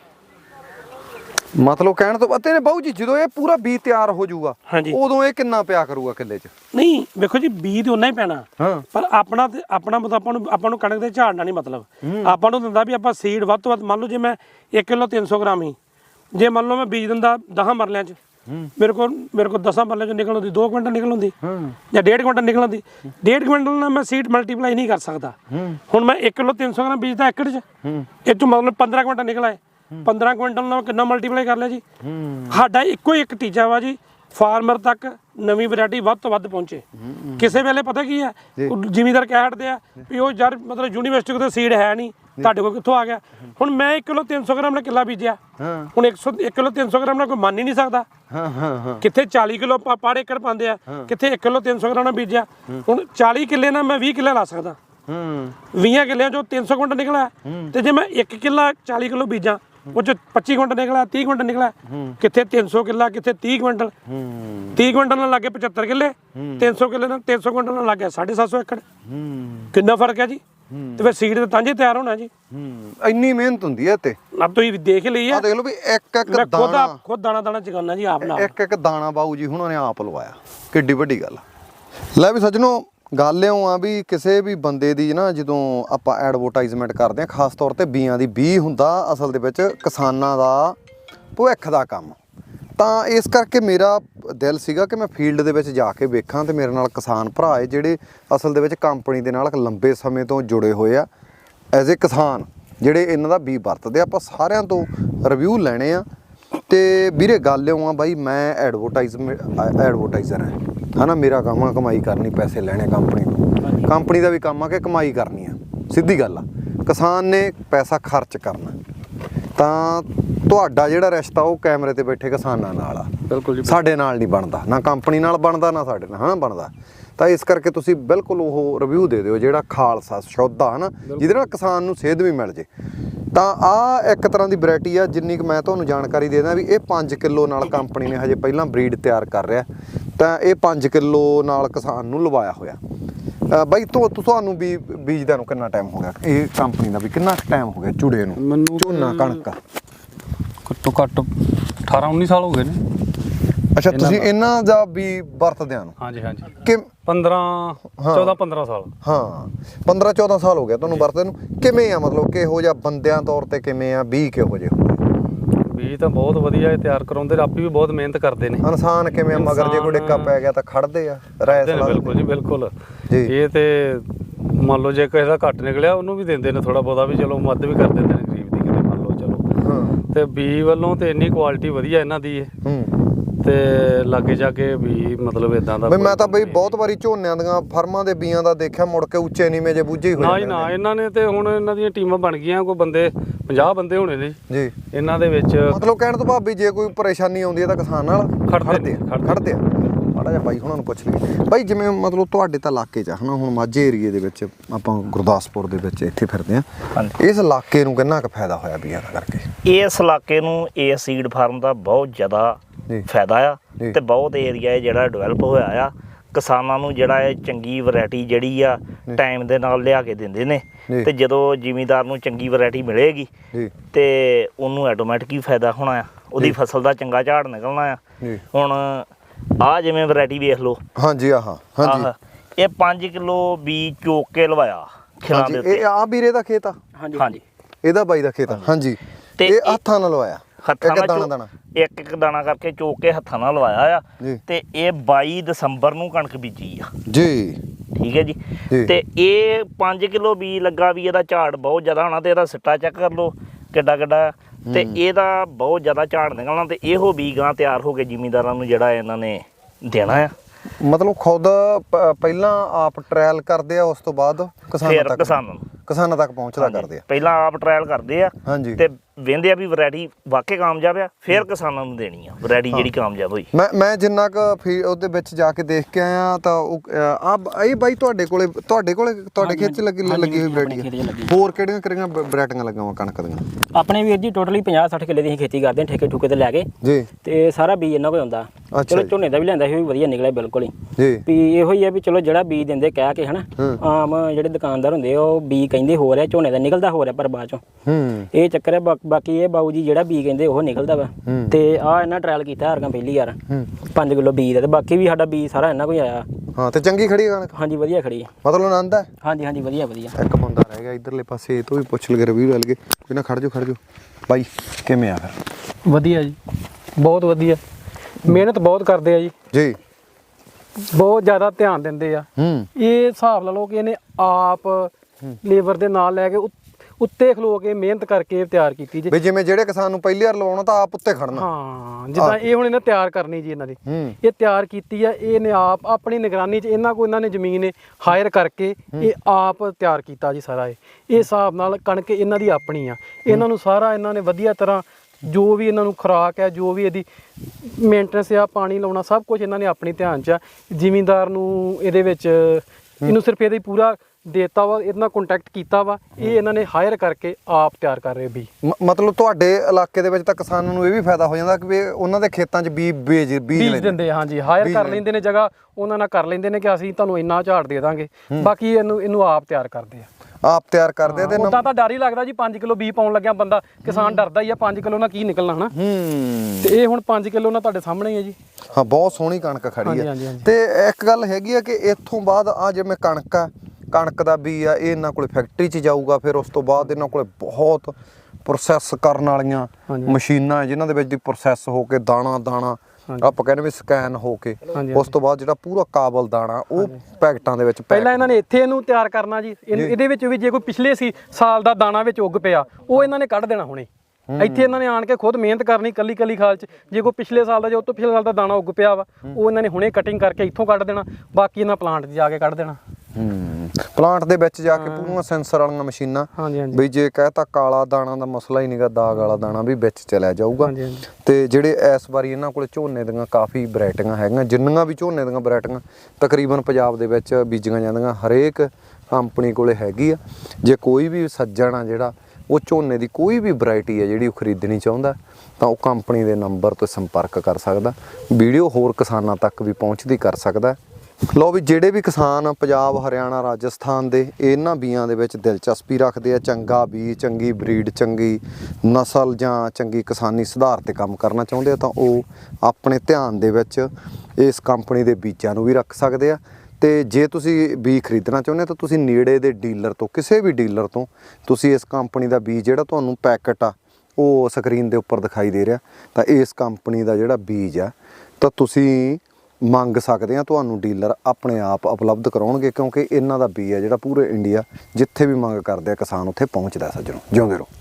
Speaker 2: ਮਤਲਬ ਕਹਿਣ ਤੋਂ ਬਾਅਦ ਨੇ ਬਾਊ ਜੀ ਜਦੋਂ ਇਹ ਪੂਰਾ ਬੀਜ ਤਿਆਰ ਹੋ ਜਾਊਗਾ ਉਦੋਂ ਇਹ ਕਿੰਨਾ ਪਿਆ ਕਰੂਗਾ ਕਿੱਲੇ 'ਚ?
Speaker 1: ਨਹੀਂ ਵੇਖੋ ਜੀ, ਬੀਜ ਤੇ ਉਨਾ ਹੀ ਪੈਣਾ, ਪਰ ਆਪਣਾ ਆਪਣਾ ਮਤਲਬ ਆਪਾਂ ਨੂੰ ਆਪਾਂ ਨੂੰ ਕਣਕ ਦੇ ਝਾੜਨਾ ਨਹੀਂ, ਮਤਲਬ ਆਪਾਂ ਨੂੰ ਦਿੰਦਾ ਵੀ ਆਪਾਂ ਸੀਡ ਵੱਧ ਤੋਂ ਵੱਧ। ਮੰਨ ਲਓ ਜੇ ਮੈਂ ਇੱਕ ਕਿਲੋ ਤਿੰਨ ਸੌ ਗ੍ਰਾਮ ਹੀ, ਜੇ ਮੰਨ ਲਓ ਮੈਂ ਬੀਜ ਦਿੰਦਾ ਦਸਾਂ ਮਰਲਿਆਂ 'ਚ, ਮੇਰੇ ਕੋਲ ਮੇਰੇ ਕੋਲ ਦਸਾਂ ਮਰਲਿਆਂ 'ਚ ਨਿਕਲ ਆਉਂਦੀ ਦੋ ਕੁਇੰਟਲ ਨਿਕਲ ਆਉਂਦੀ, ਜਾਂ ਡੇਢ ਕੁਇੰਟਲ ਨਿਕਲ ਆਉਂਦੀ। ਡੇਢ ਕੁਇੰਟਲ ਨਾਲ ਮੈਂ ਸੀਡ ਮਲਟੀਪਲਾਈ ਨਹੀਂ ਕਰ ਸਕਦਾ। ਹੁਣ ਮੈਂ ਇੱਕ ਕਿਲੋ ਤਿੰਨ ਸੌ ਗ੍ਰਾਮ ਬੀਜਦਾ ਏਕੜ 'ਚ, ਇਹ 'ਚੋਂ ਮਤਲਬ ਪੰਦਰਾਂ ਕੁਇੰਟਲ ਨਿਕਲ ਆਏ। ਪੰਦਰਾਂ ਕੁਇੰਟਲ ਨਾਲ ਕਿੰਨਾ ਮਲਟੀਪਲਾਈ ਕਰ ਲਿਆ ਜੀ? ਸਾਡਾ ਇੱਕੋ ਇੱਕ ਟੀਚਾ ਵਾ ਜੀ, ਫਾਰਮਰ ਤੱਕ ਨਵੀਂ ਵੈਰਾਈਟੀ ਵੱਧ ਤੋਂ ਵੱਧ ਪਹੁੰਚੇ। ਕਿਸੇ ਵੇਲੇ ਪਤਾ ਕੀ ਹੈ, ਜ਼ਿਮੀਂਦਾਰ ਕਹਿ ਹਟਦੇ ਆ ਵੀ ਉਹ ਯਾਰ ਮਤਲਬ ਯੂਨੀਵਰਸਿਟੀ ਕੋਲ ਸੀਡ ਹੈ ਨਹੀਂ, ਤੁਹਾਡੇ ਕੋਲ ਕਿੱਥੋਂ ਆ ਗਿਆ? ਹੁਣ ਮੈਂ ਇੱਕ ਕਿਲੋ ਤਿੰਨ ਸੌ ਗ੍ਰਾਮ ਨਾਲ ਕਿੱਲਾ ਬੀਜਿਆ, ਹੁਣ ਇੱਕ ਸੌ ਇੱਕ ਕਿਲੋ ਤਿੰਨ ਸੌ ਗ੍ਰਾਮ ਨਾਲ ਕੋਈ ਮੰਨ ਹੀ ਨਹੀਂ ਸਕਦਾ। ਕਿੱਥੇ ਚਾਲੀ ਕਿਲੋ ਪਾੜ ਏਕੜ ਪਾਉਂਦੇ ਆ, ਕਿੱਥੇ ਇੱਕ ਕਿਲੋ ਤਿੰਨ ਸੌ ਗ੍ਰਾਮ ਨਾਲ ਬੀਜਿਆ। ਹੁਣ ਚਾਲੀ ਕਿੱਲੇ ਨਾਲ ਮੈਂ ਵੀਹ ਕਿੱਲੇ ਲਾ ਸਕਦਾ। ਵੀਹਾਂ ਕਿੱਲਿਆਂ ਚੋਂ ਤਿੰਨ ਸੌ ਕੁਇੰਟਲ ਨਿਕਲਿਆ, ਤੇ ਜੇ ਮੈਂ ਇੱਕ ਕਿੱਲਾ ਚਾਲੀ ਕਿਲੋ ਬੀਜਾਂ, ਉਹ ਚ ਪੱਚੀ ਕੁਇੰਟਲ ਨਿਕਲਿਆ, ਤੀਹ ਕੁਇੰਟਲ ਨਿਕਲਿਆ। ਕਿੱਥੇ ਤਿੰਨ ਸੌ ਕਿੱਲਾ, ਕਿੱਥੇ ਤੀਹ ਕੁਇੰਟਲ। ਤੀਹ ਕੁਇੰਟਲ ਨਾਲ ਲੱਗੇ ਪਚੱਤਰ ਕਿੱਲੇ, ਤਿੰਨ ਸੌ ਕਿੱਲੇ ਨਾਲ ਤਿੰਨ ਸੌ ਕੁਇੰਟਲ ਨਾਲ ਲੱਗ ਗਿਆ ਸਾਢੇ ਸੱਤ ਸੌ ਏਕੜ। ਕਿੰਨਾ ਫਰਕ ਹੈ ਜੀ? ਤੇ ਫਿਰ ਸੀਡ ਤੇ ਤਾਂ ਜੀ ਤਿਆਰ ਹੋਣਾ ਜੀ।
Speaker 2: ਇੰਨੀ ਮਿਹਨਤ ਹੁੰਦੀ ਹੈ ਤੇ
Speaker 1: ਆਪ ਤੁਸੀਂ ਦੇਖ ਲਈ ਆ,
Speaker 2: ਦੇਖ ਲਓ ਵੀ ਇੱਕ ਇੱਕ
Speaker 1: ਦਾਣਾ ਖੁਦ ਦਾਣਾ ਦਾਣਾ ਚਗਾਉਣਾ ਜੀ ਆਪ ਨਾਲ।
Speaker 2: ਇੱਕ ਇੱਕ ਦਾਣਾ ਬਾਊ ਜੀ ਹੁਣਾਂ ਨੇ ਆਪ ਲਵਾਇਆ, ਕਿੱਡੀ ਵੱਡੀ ਗੱਲ। ਲੈ ਵੀ ਸੱਜਣੋ, ਗੱਲ ਇਉਂ ਆ ਵੀ ਕਿਸੇ ਵੀ ਬੰਦੇ ਦੀ ਨਾ ਜਦੋਂ ਆਪਾਂ ਐਡਵਰਟਾਈਜ਼ਮੈਂਟ ਕਰਦੇ ਆ, ਖਾਸ ਤੌਰ ਤੇ ਬੀਆਂ ਦੀ, ਬੀ ਹੁੰਦਾ ਅਸਲ ਦੇ ਵਿੱਚ ਕਿਸਾਨਾਂ ਦਾ ਭਵਿੱਖ ਦਾ ਕੰਮ। ਤਾਂ ਇਸ ਕਰਕੇ ਮੇਰਾ ਦਿਲ ਸੀਗਾ ਕਿ ਮੈਂ ਫੀਲਡ ਦੇ ਵਿੱਚ ਜਾ ਕੇ ਵੇਖਾਂ, ਤੇ ਮੇਰੇ ਨਾਲ ਕਿਸਾਨ ਭਰਾ ਏ ਜਿਹੜੇ ਅਸਲ ਦੇ ਵਿੱਚ ਕੰਪਨੀ ਦੇ ਨਾਲ ਲੰਬੇ ਸਮੇਂ ਤੋਂ ਜੁੜੇ ਹੋਏ ਆ ਐਜ਼ ਏ ਕਿਸਾਨ, ਜਿਹੜੇ ਇਹਨਾਂ ਦਾ ਬੀ ਵਰਤਦੇ। ਆਪਾਂ ਸਾਰਿਆਂ ਤੋਂ ਰਿਵਿਊ ਲੈਣੇ ਆ। ਤੇ ਵੀਰੇ ਗੱਲ ਇਉਂ ਆ ਬਾਈ, ਮੈਂ ਐਡਵਰਟਾਈਜ਼ਮੈਂਟ ਐਡਵਰਟਾਈਜ਼ਰ ਹਾਂ ਹੈ ਨਾ, ਮੇਰਾ ਕੰਮ ਆ ਕਮਾਈ ਕਰਨੀ, ਪੈਸੇ ਲੈਣੇ ਕੰਪਨੀ ਤੋਂ। ਕੰਪਨੀ ਦਾ ਵੀ ਕੰਮ ਆ ਕਿ ਕਮਾਈ ਕਰਨੀ ਆ, ਸਿੱਧੀ ਗੱਲ ਆ। ਕਿਸਾਨ ਨੇ ਪੈਸਾ ਖਰਚ ਕਰਨਾ, ਤਾਂ ਤੁਹਾਡਾ ਜਿਹੜਾ ਰਿਸ਼ਤਾ ਉਹ ਕੈਮਰੇ ਤੇ ਬੈਠੇ ਕਿਸਾਨਾਂ ਨਾਲ ਆ। ਬਿਲਕੁਲ ਜੀ, ਸਾਡੇ ਨਾਲ ਨਹੀਂ ਬਣਦਾ, ਨਾ ਕੰਪਨੀ ਨਾਲ ਬਣਦਾ, ਨਾ ਸਾਡੇ ਨਾਲ ਹਾਂ ਬਣਦਾ। ਤਾਂ ਇਸ ਕਰਕੇ ਤੁਸੀਂ ਬਿਲਕੁਲ ਉਹ ਰਿਵਿਊ ਦੇ ਦਿਓ ਜਿਹੜਾ ਖਾਲਸਾ ਸ਼ੁੱਧ ਆ, ਹੈ ਨਾ, ਜਿਹਦੇ ਨਾਲ ਕਿਸਾਨ ਨੂੰ ਸੇਧ ਵੀ ਮਿਲ ਜੇ। ਤਾਂ ਆ ਇੱਕ ਤਰ੍ਹਾਂ ਦੀ ਵੈਰਾਈਟੀ ਆ, ਜਿੰਨੀ ਕੁ ਮੈਂ ਤੁਹਾਨੂੰ ਜਾਣਕਾਰੀ ਦੇ ਦਾਂ ਵੀ ਇਹ ਪੰਜ ਕਿਲੋ ਨਾਲ ਕੰਪਨੀ ਨੇ ਹਜੇ ਪਹਿਲਾਂ ਬਰੀਡ ਤਿਆਰ ਕਰ ਰਿਹਾ, ਤਾਂ ਇਹ ਪੰਜ ਕਿਲੋ ਨਾਲ ਕਿਸਾਨ ਨੂੰ ਲਵਾਇਆ ਹੋਇਆ। ਅ, ਬਾਈ ਤੋਂ ਤੁਹਾਨੂੰ ਵੀ ਬੀਜਦਿਆਂ ਨੂੰ ਕਿੰਨਾ ਟਾਈਮ ਹੋ ਗਿਆ, ਇਹ ਕੰਪਨੀ ਦਾ ਵੀ ਕਿੰਨਾ ਟਾਈਮ ਹੋ ਗਿਆ ਝੁੜੇ ਨੂੰ,
Speaker 4: ਮੈਨੂੰ
Speaker 2: ਝੋਨਾ ਕਣਕ?
Speaker 4: ਘੱਟੋ ਘੱਟ ਅਠਾਰਾਂ ਉੱਨੀ ਸਾਲ ਹੋ ਗਏ ਨੇ।
Speaker 2: ਅੱਛਾ, ਤੁਸੀਂ ਇਹਨਾਂ ਦਾ ਵੀ ਵਰਤਦਿਆਂ ਨੂੰ?
Speaker 4: ਹਾਂਜੀ ਹਾਂਜੀ
Speaker 2: ਕਿ
Speaker 4: ਪੰਦਰਾਂ ਚੌਦਾਂ ਪੰਦਰਾਂ ਸਾਲ।
Speaker 2: ਹਾਂ, ਪੰਦਰਾਂ ਚੌਦਾਂ ਸਾਲ ਹੋ ਗਿਆ ਤੁਹਾਨੂੰ ਵਰਤਦੇ ਨੂੰ। ਕਿਵੇਂ ਆ ਮਤਲਬ ਕਿਹੋ ਜਿਹਾ ਬੰਦਿਆਂ ਤੌਰ ਤੇ ਕਿਵੇਂ ਆ, ਬੀਜ ਕਿਹੋ ਜਿਹੇ?
Speaker 4: ਬੀਜ ਤਾਂ ਬਹੁਤ ਵਧੀਆ ਤਿਆਰ ਕਰਾਉਂਦੇ, ਆਪੀ ਵੀ ਬਹੁਤ ਮਿਹਨਤ ਕਰਦੇ ਨੇ।
Speaker 2: ਇਨਸਾਨ ਕਿਵੇਂ ਆ, ਮਗਰ ਜੇ ਕੋਈ ਡਿੱਕਾ ਪੈ ਗਿਆ ਤਾਂ ਖੜਦੇ ਆ ਰਾਇ ਸਲਾਹ?
Speaker 4: ਬਿਲਕੁਲ ਜੀ ਬਿਲਕੁਲ।
Speaker 2: ਜੀ।
Speaker 4: ਇਹ ਤੇ ਮੰਨ ਲਓ ਜੇ ਕਿਸੇ ਦਾ ਘੱਟ ਨਿਕਲਿਆ ਉਹਨੂੰ ਵੀ ਦਿੰਦੇ ਨੇ ਥੋੜਾ ਬਹੁਤਾ, ਵੀ ਚਲੋ ਮਦਦ ਵੀ ਕਰ ਦਿੰਦੇ ਨੇ ਗਰੀਬ ਦੀ ਕਿਤੇ ਮੰਨ ਲਓ ਚਲੋ।
Speaker 2: ਹਾਂ।
Speaker 4: ਤੇ ਬੀਜ ਵੱਲੋਂ ਤੇ ਇੰਨੀ ਕੁਆਲਿਟੀ ਵਧੀਆ ਇਹਨਾਂ ਦੀ ਹੈ
Speaker 2: ਹੂੰ।
Speaker 4: ਤੇ ਲਾਗੇ ਜਾ ਕੇ ਵੀ ਮਤਲਬ ਇਦਾਂ ਦਾ
Speaker 2: ਬਈ ਮੈਂ ਤਾਂ ਬਈ ਬਹੁਤ ਵਾਰੀ ਝੋਨਿਆਂ ਦੀਆਂ ਫਰਮਾਂ ਦੇ ਬੀਆਂ ਦਾ ਦੇਖਿਆ, ਮੁੜ ਕੇ ਉੱਚੇ ਨੀਵੇਂ ਜੇ ਬੂਝੇ ਹੀ ਹੋ
Speaker 4: ਨਾ
Speaker 2: ਜਾਂਦੇ
Speaker 4: ਜੀ ਨਾ, ਇਹਨਾਂ ਨੇ ਤੇ ਹੁਣ ਇਹਨਾਂ ਦੀਆਂ ਟੀਮਾਂ ਬਣ ਗਈਆਂ, ਕੋਈ ਬੰਦੇ ਪੰਜਾਹ ਬੰਦੇ ਹੋਣੇ ਨੇ
Speaker 2: ਜੀ
Speaker 4: ਇਹਨਾਂ ਦੇ ਵਿੱਚ।
Speaker 2: ਮਤਲਬ ਕਹਿਣ ਤੋਂ ਭਾਬੀ ਜੇ ਕੋਈ ਪਰੇਸ਼ਾਨੀ ਆਉਂਦੀ ਹੈ ਤਾਂ ਕਿਸਾਨ ਨਾਲ
Speaker 4: ਖੜਦੇ
Speaker 2: ਆ ਖੜਦੇ ਆ ਮਾੜਾ ਜਿਹਾ ਬਾਈ ਹੁਣਾਂ ਨੂੰ ਪੁੱਛ ਲਈਏ। ਬਾਈ ਜਿਵੇਂ ਮਤਲਬ ਤੁਹਾਡੇ ਤਾਂ ਇਲਾਕੇ 'ਚ ਹਨਾ, ਹੁਣ ਮਾਝੇ ਏਰੀਏ ਦੇ ਵਿੱਚ ਆਪਾਂ ਗੁਰਦਾਸਪੁਰ ਦੇ ਵਿੱਚ ਇੱਥੇ ਫਿਰਦੇ ਆ, ਇਸ ਇਲਾਕੇ ਨੂੰ ਕਿੰਨਾ ਕੁ ਫਾਇਦਾ ਹੋਇਆ ਬੀਆਂ ਦਾ ਕਰਕੇ?
Speaker 5: ਇਸ ਇਲਾਕੇ ਨੂੰ ਇਸ ਸੀਡ ਫਾਰਮ ਦਾ ਬਹੁਤ ਜ਼ਿਆਦਾ ਫਾਇਦਾ ਆ, ਤੇ ਬਹੁਤ ਏਰੀਆ ਜਿਹੜਾ ਡਿਵੈਲਪ ਹੋਇਆ ਆ। ਕਿਸਾਨਾਂ ਨੂੰ ਜਿਹੜਾ ਇਹ ਚੰਗੀ ਵੈਰਾਈਟੀ ਜਿਹੜੀ ਆ ਟਾਈਮ ਦੇ ਨਾਲ ਲਿਆ ਕੇ ਦਿੰਦੇ ਨੇ, ਤੇ ਜਦੋਂ ਜ਼ਿਮੀਂਦਾਰ ਨੂੰ ਚੰਗੀ ਵੈਰਾਈਟੀ ਮਿਲੇਗੀ ਤੇ ਉਹਨੂੰ ਆਟੋਮੈਟਿਕ ਹੀ ਫਾਇਦਾ ਹੋਣਾ ਆ, ਉਹਦੀ ਫਸਲ ਦਾ ਚੰਗਾ ਝਾੜ ਨਿਕਲਣਾ ਆ। ਹੁਣ ਆਹ ਜਿਵੇਂ ਵੈਰਾਈਟੀ ਵੇਖ ਲਓ।
Speaker 2: ਹਾਂਜੀ ਆਹ ਹਾਂਜੀ,
Speaker 5: ਇਹ ਪੰਜ ਕਿਲੋ ਬੀਜ ਚੋਕ ਕੇ ਲਵਾਇਆ ਖਿਲਾਂ ਦੇ ਉੱਤੇ।
Speaker 2: ਇਹ ਆ ਵੀਰੇ ਦਾ ਖੇਤ ਆ?
Speaker 5: ਹਾਂਜੀ,
Speaker 2: ਇਹਦਾ ਬਾਈ ਦਾ ਖੇਤ ਆ। ਹਾਂਜੀ,
Speaker 5: ਤੇ
Speaker 2: ਇਹ ਹੱਥਾਂ ਨਾਲ ਲਵਾਇਆ?
Speaker 5: ਹੱਥਾਂ ਨਾਲ
Speaker 2: ਦਾਣਾ ਦਾਣਾ
Speaker 5: ਇੱਕ ਇੱਕ ਦਾਣਾ ਕਰਕੇ ਚੋਕ ਕੇ ਹੱਥਾਂ ਨਾਲ ਲਵਾਇਆ ਆ। ਤੇ ਇਹ ਬਾਈ ਦਸੰਬਰ ਨੂੰ ਕਣਕ ਬੀਜੀ ਆ
Speaker 2: ਜੀ।
Speaker 5: ਠੀਕ ਹੈ ਜੀ। ਤੇ ਇਹ ਪੰਜ ਕਿਲੋ ਬੀਜ ਲੱਗਾ ਵੀ ਇਹਦਾ ਝਾੜ ਬਹੁਤ ਜ਼ਿਆਦਾ ਹੋਣਾ, ਤੇ ਇਹਦਾ ਸਿੱਟਾ ਚੈੱਕ ਕਰ ਲਓ ਕਿੱਡਾ ਕਿੱਡਾ, ਤੇ ਇਹਦਾ ਬਹੁਤ ਜ਼ਿਆਦਾ ਝਾੜ ਨਿਕਲਣਾ। ਤੇ ਇਹੋ ਬੀਜ ਗਾਂ ਤਿਆਰ ਹੋ ਕੇ ਜ਼ਿਮੀਂਦਾਰਾਂ ਨੂੰ ਜਿਹੜਾ ਇਹਨਾਂ ਨੇ ਦੇਣਾ ਆ।
Speaker 2: ਮਤਲਬ ਖੁਦ ਪਹਿਲਾਂ ਆਪ ਟ੍ਰਾਇਲ ਕਰਦੇ ਆ, ਉਸ ਤੋਂ ਬਾਅਦ ਕਿਸਾਨਾਂ ਤੱਕ
Speaker 5: ਕਿਸਾਨਾਂ ਨੂੰ
Speaker 2: ਕਿਸਾਨਾਂ ਤੱਕ ਪਹੁੰਚਦਾ ਕਰਦੇ ਆ।
Speaker 5: ਪਹਿਲਾਂ ਆਪ ਟ੍ਰਾਇਲ ਕਰਦੇ ਆ
Speaker 2: ਹਾਂਜੀ,
Speaker 5: ਤੇ ਵੇਂਦੇ ਆ ਵੀ ਵੈਰਾਈਟੀ ਵਾਕਈ ਕਾਮਯਾਬ ਆ, ਫਿਰ ਕਿਸਾਨਾਂ ਨੂੰ ਦੇਣੀ ਆ ਵੈਰਾਈਟੀ ਜਿਹੜੀ ਕਾਮਯਾਬ ਹੋਈ।
Speaker 2: ਮੈਂ ਮੈਂ ਜਿੰਨਾ ਕੁ ਉਹਦੇ ਵਿੱਚ ਜਾ ਕੇ ਦੇਖ ਕੇ ਆਇਆ ਤਾਂ ਉਹ ਆ ਇਹ ਬਾਈ ਤੁਹਾਡੇ ਕੋਲੇ ਤੁਹਾਡੇ ਕੋਲੇ ਤੁਹਾਡੇ ਖੇਤ 'ਚ ਲੱਗੀ ਲੱਗੀ ਹੋਈ ਵੈਰਾਈਟੀ? ਹੋਰ ਕਿਹੜੀਆਂ ਕਿਹੜੀਆਂ ਵੈਰਾਈਟੀਆਂ ਲੱਗੀਆਂ ਕਣਕ ਦੀਆਂ?
Speaker 6: ਆਪਣੇ ਵੀਰ ਜੀ ਟੋਟਲੀ ਪੰਜਾਹ ਸੱਠ ਕਿੱਲੇ ਦੀ ਅਸੀਂ ਖੇਤੀ ਕਰਦੇ ਹਾਂ, ਠੇਕੇ ਠੂਕੇ ਤੇ ਲੈ ਕੇ
Speaker 2: ਜੀ।
Speaker 6: ਤੇ ਸਾਰਾ ਬੀਜ ਇਹਨਾਂ ਕੋਲ ਹੁੰਦਾ। ਚਲੋ ਝੋਨੇ ਦਾ ਵੀ ਲਿਆਂਦਾ ਸੀ, ਉਹ ਵੀ ਵਧੀਆ ਨਿਕਲਿਆ ਬਿਲਕੁਲ ਹੀ
Speaker 2: ਜੀ।
Speaker 6: ਵੀ ਇਹੋ ਹੀ ਆ ਵੀ ਚਲੋ ਜਿਹੜਾ ਬੀਜ ਦਿੰਦੇ ਕਹਿ ਕੇ ਹਨਾ, ਆਮ ਜਿਹੜੇ ਦੁਕਾਨਦਾਰ ਹੁੰਦੇ ਉਹ ਬੀਜ ਕਹਿੰਦੇ ਹੋ ਰਿਹਾ, ਝੋਨੇ ਦਾ ਨਿਕਲਦਾ ਹੋ ਰਿਹਾ, ਪਰ ਬਾਅਦ ਚੋਂ
Speaker 2: ਹੂੰ
Speaker 6: ਇਹ ਚੱਕਰ ਹੈ। ਬਾਕੀ ਇਹ ਬਾਊ ਜੀ ਜਿਹੜਾ ਬੀਜ ਕਹਿੰਦੇ ਉਹ ਨਿਕਲਦਾ ਵਾ। ਤੇ ਆ ਇਹਨਾਂ ਟ੍ਰਾਇਲ ਕੀਤਾ ਹਰਕਾਂ ਪਹਿਲੀ ਯਾਰ ਪੰਜ ਕਿਲੋ ਬੀਜ ਦਾ, ਤੇ ਬਾਕੀ ਵੀ ਸਾਡਾ ਬੀਜ ਸਾਰਾ ਇਹਨਾਂ ਕੋਲ ਆਇਆ।
Speaker 2: ਹਾਂ, ਤੇ ਚੰਗੀ ਖੜੀ ਕਣਕ?
Speaker 6: ਹਾਂਜੀ ਵਧੀਆ ਖੜੀ,
Speaker 2: ਮਤਲਬ ਆਨੰਦ ਹੈ?
Speaker 6: ਹਾਂਜੀ ਹਾਂਜੀ ਵਧੀਆ ਵਧੀਆ।
Speaker 2: ਇੱਕ ਬੰਦਾ ਰਹਿ ਗਿਆ ਇਧਰਲੇ ਪਾਸੇ, ਇਹ ਤੋਂ ਵੀ ਪੁੱਛ ਲਗੇ ਰਵੀ ਵਾਲ ਕੇ ਕਿਹਨਾਂ ਖੜ ਜਾਓ ਖੜ ਜਾਓ ਬਾਈ, ਕਿਵੇਂ ਆ ਫਿਰ?
Speaker 7: ਵਧੀਆ ਜੀ, ਬਹੁਤ ਵਧੀਆ, ਮਿਹਨਤ ਬਹੁਤ ਕਰਦੇ ਆ ਜੀ
Speaker 2: ਜੀ,
Speaker 7: ਬਹੁਤ ਜ਼ਿਆਦਾ ਧਿਆਨ ਦਿੰਦੇ ਆ।
Speaker 2: ਹੂੰ
Speaker 7: ਇਹ ਹਿਸਾਬ ਲਾ ਲਓ ਕਿ ਇਹਨੇ ਆਪ ਲੇਬਰ ਦੇ ਨਾਲ ਲੈ ਕੇ ਉੱਤੇ ਖਲੋ ਕੇ ਮਿਹਨਤ ਕਰਕੇ ਤਿਆਰ ਕੀਤੀ ਜੀ।
Speaker 2: ਵੀ ਜਿਵੇਂ ਜਿਹੜੇ ਕਿਸਾਨ ਨੂੰ ਪਹਿਲੀ ਵਾਰ ਲਵਾਉਣਾ ਤਾਂ ਆਪ ਉੱਤੇ ਖੜਨਾ।
Speaker 7: ਹਾਂ, ਜਿੱਦਾਂ ਇਹ ਹੁਣ ਇਹਨੇ ਤਿਆਰ ਕਰਨੀ ਜੀ, ਇਹਨਾਂ ਦੀ
Speaker 2: ਹੂੰ
Speaker 7: ਇਹ ਤਿਆਰ ਕੀਤੀ ਆ, ਇਹਨੇ ਆਪ ਆਪਣੀ ਨਿਗਰਾਨੀ 'ਚ ਇਹਨਾਂ ਕੋਲ ਇਹਨਾਂ ਨੇ ਜ਼ਮੀਨ ਹਾਇਰ ਕਰਕੇ ਇਹ ਆਪ ਤਿਆਰ ਕੀਤਾ ਜੀ ਸਾਰਾ। ਇਹ ਇਹ ਹਿਸਾਬ ਨਾਲ ਕਣਕ ਇਹਨਾਂ ਦੀ ਆਪਣੀ ਆ। ਇਹਨਾਂ ਨੂੰ ਸਾਰਾ ਇਹਨਾਂ ਨੇ ਵਧੀਆ ਤਰ੍ਹਾਂ ਜੋ ਵੀ ਇਹਨਾਂ ਨੂੰ ਖੁਰਾਕ ਹੈ, ਜੋ ਵੀ ਇਹਦੀ ਮੇਨਟੇਨੈਂਸ ਆ, ਪਾਣੀ ਲਾਉਣਾ, ਸਭ ਕੁਝ ਇਹਨਾਂ ਨੇ ਆਪਣੀ ਧਿਆਨ 'ਚ ਆ। ਜ਼ਿਮੀਂਦਾਰ ਨੂੰ ਇਹਦੇ ਵਿੱਚ ਇਹਨੂੰ ਸਿਰਫ ਇਹਦੇ ਪੂਰਾ ਦੇਤਾ ਵਾ, ਇਹਦੇ ਨਾਲ ਕੰਟੈਕਟ ਕੀਤਾ ਵਾ, ਇਹ ਇਹਨਾਂ ਨੇ ਹਾਇਰ ਕਰਕੇ ਆਪ ਤਿਆਰ ਕਰ ਰਹੇ ਬੀ।
Speaker 2: ਮਤਲਬ ਤੁਹਾਡੇ ਇਲਾਕੇ ਦੇ ਵਿੱਚ ਤਾਂ ਕਿਸਾਨਾਂ ਨੂੰ ਇਹ ਵੀ ਫਾਇਦਾ ਹੋ ਜਾਂਦਾ ਕਿ ਵੀ ਉਹਨਾਂ ਦੇ ਖੇਤਾਂ 'ਚ ਬੀਜ ਬੀਜ
Speaker 7: ਬੀਜ ਦਿੰਦੇ। ਹਾਂਜੀ, ਹਾਇਰ ਕਰ ਲੈਂਦੇ ਨੇ, ਜਗ੍ਹਾ ਉਹਨਾਂ ਨਾਲ ਕਰ ਲੈਂਦੇ ਨੇ ਕਿ ਅਸੀਂ ਤੁਹਾਨੂੰ ਇੰਨਾ ਝਾੜ ਦੇ ਦਾਂਗੇ। ਬਾਕੀ ਇਹਨੂੰ ਇਹਨੂੰ ਆਪ ਤਿਆਰ ਕਰਦੇ ਆ,
Speaker 2: ਆਪ ਤਿਆਰ ਕਰਦੇ ਆ। ਤੇ
Speaker 7: ਉਦਾਂ ਤਾਂ ਡਰ ਹੀ ਲੱਗਦਾ ਜੀ, ਪੰਜ ਕਿਲੋ ਬੀਜ ਪਾਉਣ ਲੱਗਿਆ ਬੰਦਾ ਕਿਸਾਨ ਡਰਦਾ ਹੀ ਆ, ਪੰਜ ਕਿਲੋ ਨਾਲ ਕੀ ਨਿਕਲਣਾ ਹਨਾ।
Speaker 2: ਹੂੰ
Speaker 7: ਤੇ ਇਹ ਹੁਣ ਪੰਜ ਕਿਲੋ ਨਾਲ ਤੁਹਾਡੇ ਸਾਹਮਣੇ ਹੀ ਹੈ ਜੀ।
Speaker 2: ਹਾਂ, ਬਹੁਤ ਸੋਹਣੀ ਕਣਕ ਖੜੀ ਆ। ਤੇ ਇੱਕ ਗੱਲ ਹੈਗੀ ਆ ਕਿ ਇੱਥੋਂ ਬਾਅਦ ਆ ਜਿਵੇਂ ਕਣਕ ਆ, ਕਣਕ ਦਾ ਬੀਜ ਆ, ਇਹ ਇਹਨਾਂ ਕੋਲੇ ਫੈਕਟਰੀ 'ਚ ਜਾਊਗਾ, ਫਿਰ ਉਸ ਤੋਂ ਬਾਅਦ ਇਹਨਾਂ ਕੋਲੇ ਬਹੁਤ ਪ੍ਰੋਸੈਸ ਕਰਨ ਵਾਲੀਆਂ ਮਸ਼ੀਨਾਂ ਜਿਨ੍ਹਾਂ ਦੇ ਵਿੱਚ ਦੀ ਪ੍ਰੋਸੈਸ ਹੋ ਕੇ ਦਾਣਾ ਦਾਣਾ ਆਪਾਂ ਕਹਿੰਦੇ ਵੀ ਸਕੈਨ ਹੋ ਕੇ ਉਸ ਤੋਂ ਬਾਅਦ ਜਿਹੜਾ ਪੂਰਾ ਕਾਬਲ ਦਾਣਾ ਉਹ ਪੈਕਟਾਂ ਦੇ ਵਿੱਚ।
Speaker 7: ਪਹਿਲਾਂ ਇਹਨਾਂ ਨੇ ਇੱਥੇ ਇਹਨੂੰ ਤਿਆਰ ਕਰਨਾ ਜੀ, ਇਹਦੇ ਵਿੱਚ ਵੀ ਜੇ ਕੋਈ ਪਿਛਲੇ ਸੀ ਸਾਲ ਦਾ ਦਾਣਾ ਵਿੱਚ ਉੱਗ ਪਿਆ ਉਹ ਇਹਨਾਂ ਨੇ ਕੱਢ ਦੇਣਾ ਹੁਣੇ। ਇੱਥੇ ਇਹਨਾਂ ਨੇ ਆਣ ਕੇ ਖੁਦ ਮਿਹਨਤ ਕਰਨੀ ਕੱਲੀ ਕੱਲੀ ਖਾਲ 'ਚ। ਜੇ ਕੋਈ ਪਿਛਲੇ ਸਾਲ ਦਾ ਜਾਂ ਉਹ ਤੋਂ ਪਿਛਲੇ ਸਾਲ ਦਾ ਦਾਣਾ ਉੱਗ ਪਿਆ ਵਾ ਉਹ ਇਹਨਾਂ ਨੇ ਹੁਣੇ ਕਟਿੰਗ ਕਰਕੇ ਇੱਥੋਂ ਕੱਢ ਦੇਣਾ, ਬਾਕੀ ਇਹਨਾਂ ਪਲਾਂਟ 'ਚ ਜਾ ਕੇ ਕੱਢ ਦੇਣਾ।
Speaker 2: ਹੂੰ ਪਲਾਂਟ ਦੇ ਵਿੱਚ ਜਾ ਕੇ ਪੂਰੀਆਂ ਸੈਂਸਰ ਵਾਲੀਆਂ ਮਸ਼ੀਨਾਂ। ਵੀ ਜੇ ਕਹਤਾ ਕਾਲਾ ਦਾਣਾ ਦਾ ਮਸਲਾ ਹੀ ਨਹੀਂਗਾ, ਦਾਗ ਵਾਲਾ ਦਾਣਾ ਵੀ ਵਿੱਚ ਚਲਿਆ ਜਾਊਗਾ। ਤੇ ਜਿਹੜੇ ਇਸ ਵਾਰੀ ਇਹਨਾਂ ਕੋਲ ਝੋਨੇ ਦੀਆਂ ਕਾਫੀ ਵੈਰਾਈਟੀਆਂ ਹੈਗੀਆਂ, ਜਿੰਨੀਆਂ ਵੀ ਝੋਨੇ ਦੀਆਂ ਵੈਰਾਈਟੀਆਂ ਤਕਰੀਬਨ ਪੰਜਾਬ ਦੇ ਵਿੱਚ ਬੀਜੀਆਂ ਜਾਂਦੀਆਂ, ਹਰੇਕ ਕੰਪਨੀ ਕੋਲੇ ਹੈਗੀ ਆ। ਜੇ ਕੋਈ ਵੀ ਸੱਜਣ ਆ ਜਿਹੜਾ ਉਹ ਝੋਨੇ ਦੀ ਕੋਈ ਵੀ ਵੈਰਾਈਟੀ ਹੈ ਜਿਹੜੀ ਉਹ ਖਰੀਦਣੀ ਚਾਹੁੰਦਾ ਤਾਂ ਉਹ ਕੰਪਨੀ ਦੇ ਨੰਬਰ ਤੋਂ ਸੰਪਰਕ ਕਰ ਸਕਦਾ। ਵੀਡੀਓ ਹੋਰ ਕਿਸਾਨਾਂ ਤੱਕ ਵੀ ਪਹੁੰਚਦੀ ਕਰ ਸਕਦਾ। ਲਓ ਵੀ ਜਿਹੜੇ ਵੀ ਕਿਸਾਨ ਪੰਜਾਬ, ਹਰਿਆਣਾ, ਰਾਜਸਥਾਨ ਦੇ ਇਹਨਾਂ ਬੀਆਂ ਦੇ ਵਿੱਚ ਦਿਲਚਸਪੀ ਰੱਖਦੇ ਆ, ਚੰਗਾ ਬੀ, ਚੰਗੀ ਬਰੀਡ, ਚੰਗੀ ਨਸਲ ਜਾਂ ਚੰਗੀ ਕਿਸਾਨੀ ਸੁਧਾਰ ਤੇ ਕੰਮ ਕਰਨਾ ਚਾਹੁੰਦੇ ਆ ਤਾਂ ਉਹ ਆਪਣੇ ਧਿਆਨ ਦੇ ਵਿੱਚ ਇਸ ਕੰਪਨੀ ਦੇ ਬੀਜਾਂ ਨੂੰ ਵੀ ਰੱਖ ਸਕਦੇ ਆ। ਤੇ ਜੇ ਤੁਸੀਂ ਬੀ ਖਰੀਦਣਾ ਚਾਹੁੰਦੇ ਤਾਂ ਤੁਸੀਂ ਨੇੜੇ ਦੇ ਡੀਲਰ ਤੋਂ, ਕਿਸੇ ਵੀ ਡੀਲਰ ਤੋਂ ਤੁਸੀਂ ਇਸ ਕੰਪਨੀ ਦਾ ਬੀਜ ਜਿਹੜਾ ਤੁਹਾਨੂੰ ਪੈਕਟ ਆ ਉਹ ਸਕਰੀਨ ਦੇ ਉੱਪਰ ਦਿਖਾਈ ਦੇ ਰਿਹਾ ਤਾਂ ਇਸ ਕੰਪਨੀ ਦਾ ਜਿਹੜਾ ਬੀਜ ਆ ਤਾਂ ਤੁਸੀਂ ਮੰਗ ਸਕਦੇ ਆ। ਤੁਹਾਨੂੰ ਡੀਲਰ ਆਪਣੇ ਆਪ ਉਪਲਬਧ ਕਰਾਉਣਗੇ ਕਿਉਂਕਿ ਇਹਨਾਂ ਦਾ ਬੀ ਆ ਜਿਹੜਾ ਪੂਰੇ ਇੰਡੀਆ ਜਿੱਥੇ ਵੀ ਮੰਗ ਕਰਦੇ ਆ ਕਿਸਾਨ ਉੱਥੇ ਪਹੁੰਚਦਾ। ਸੱਜਣੋ ਜਿਉਂਦੇ ਰਹੋ।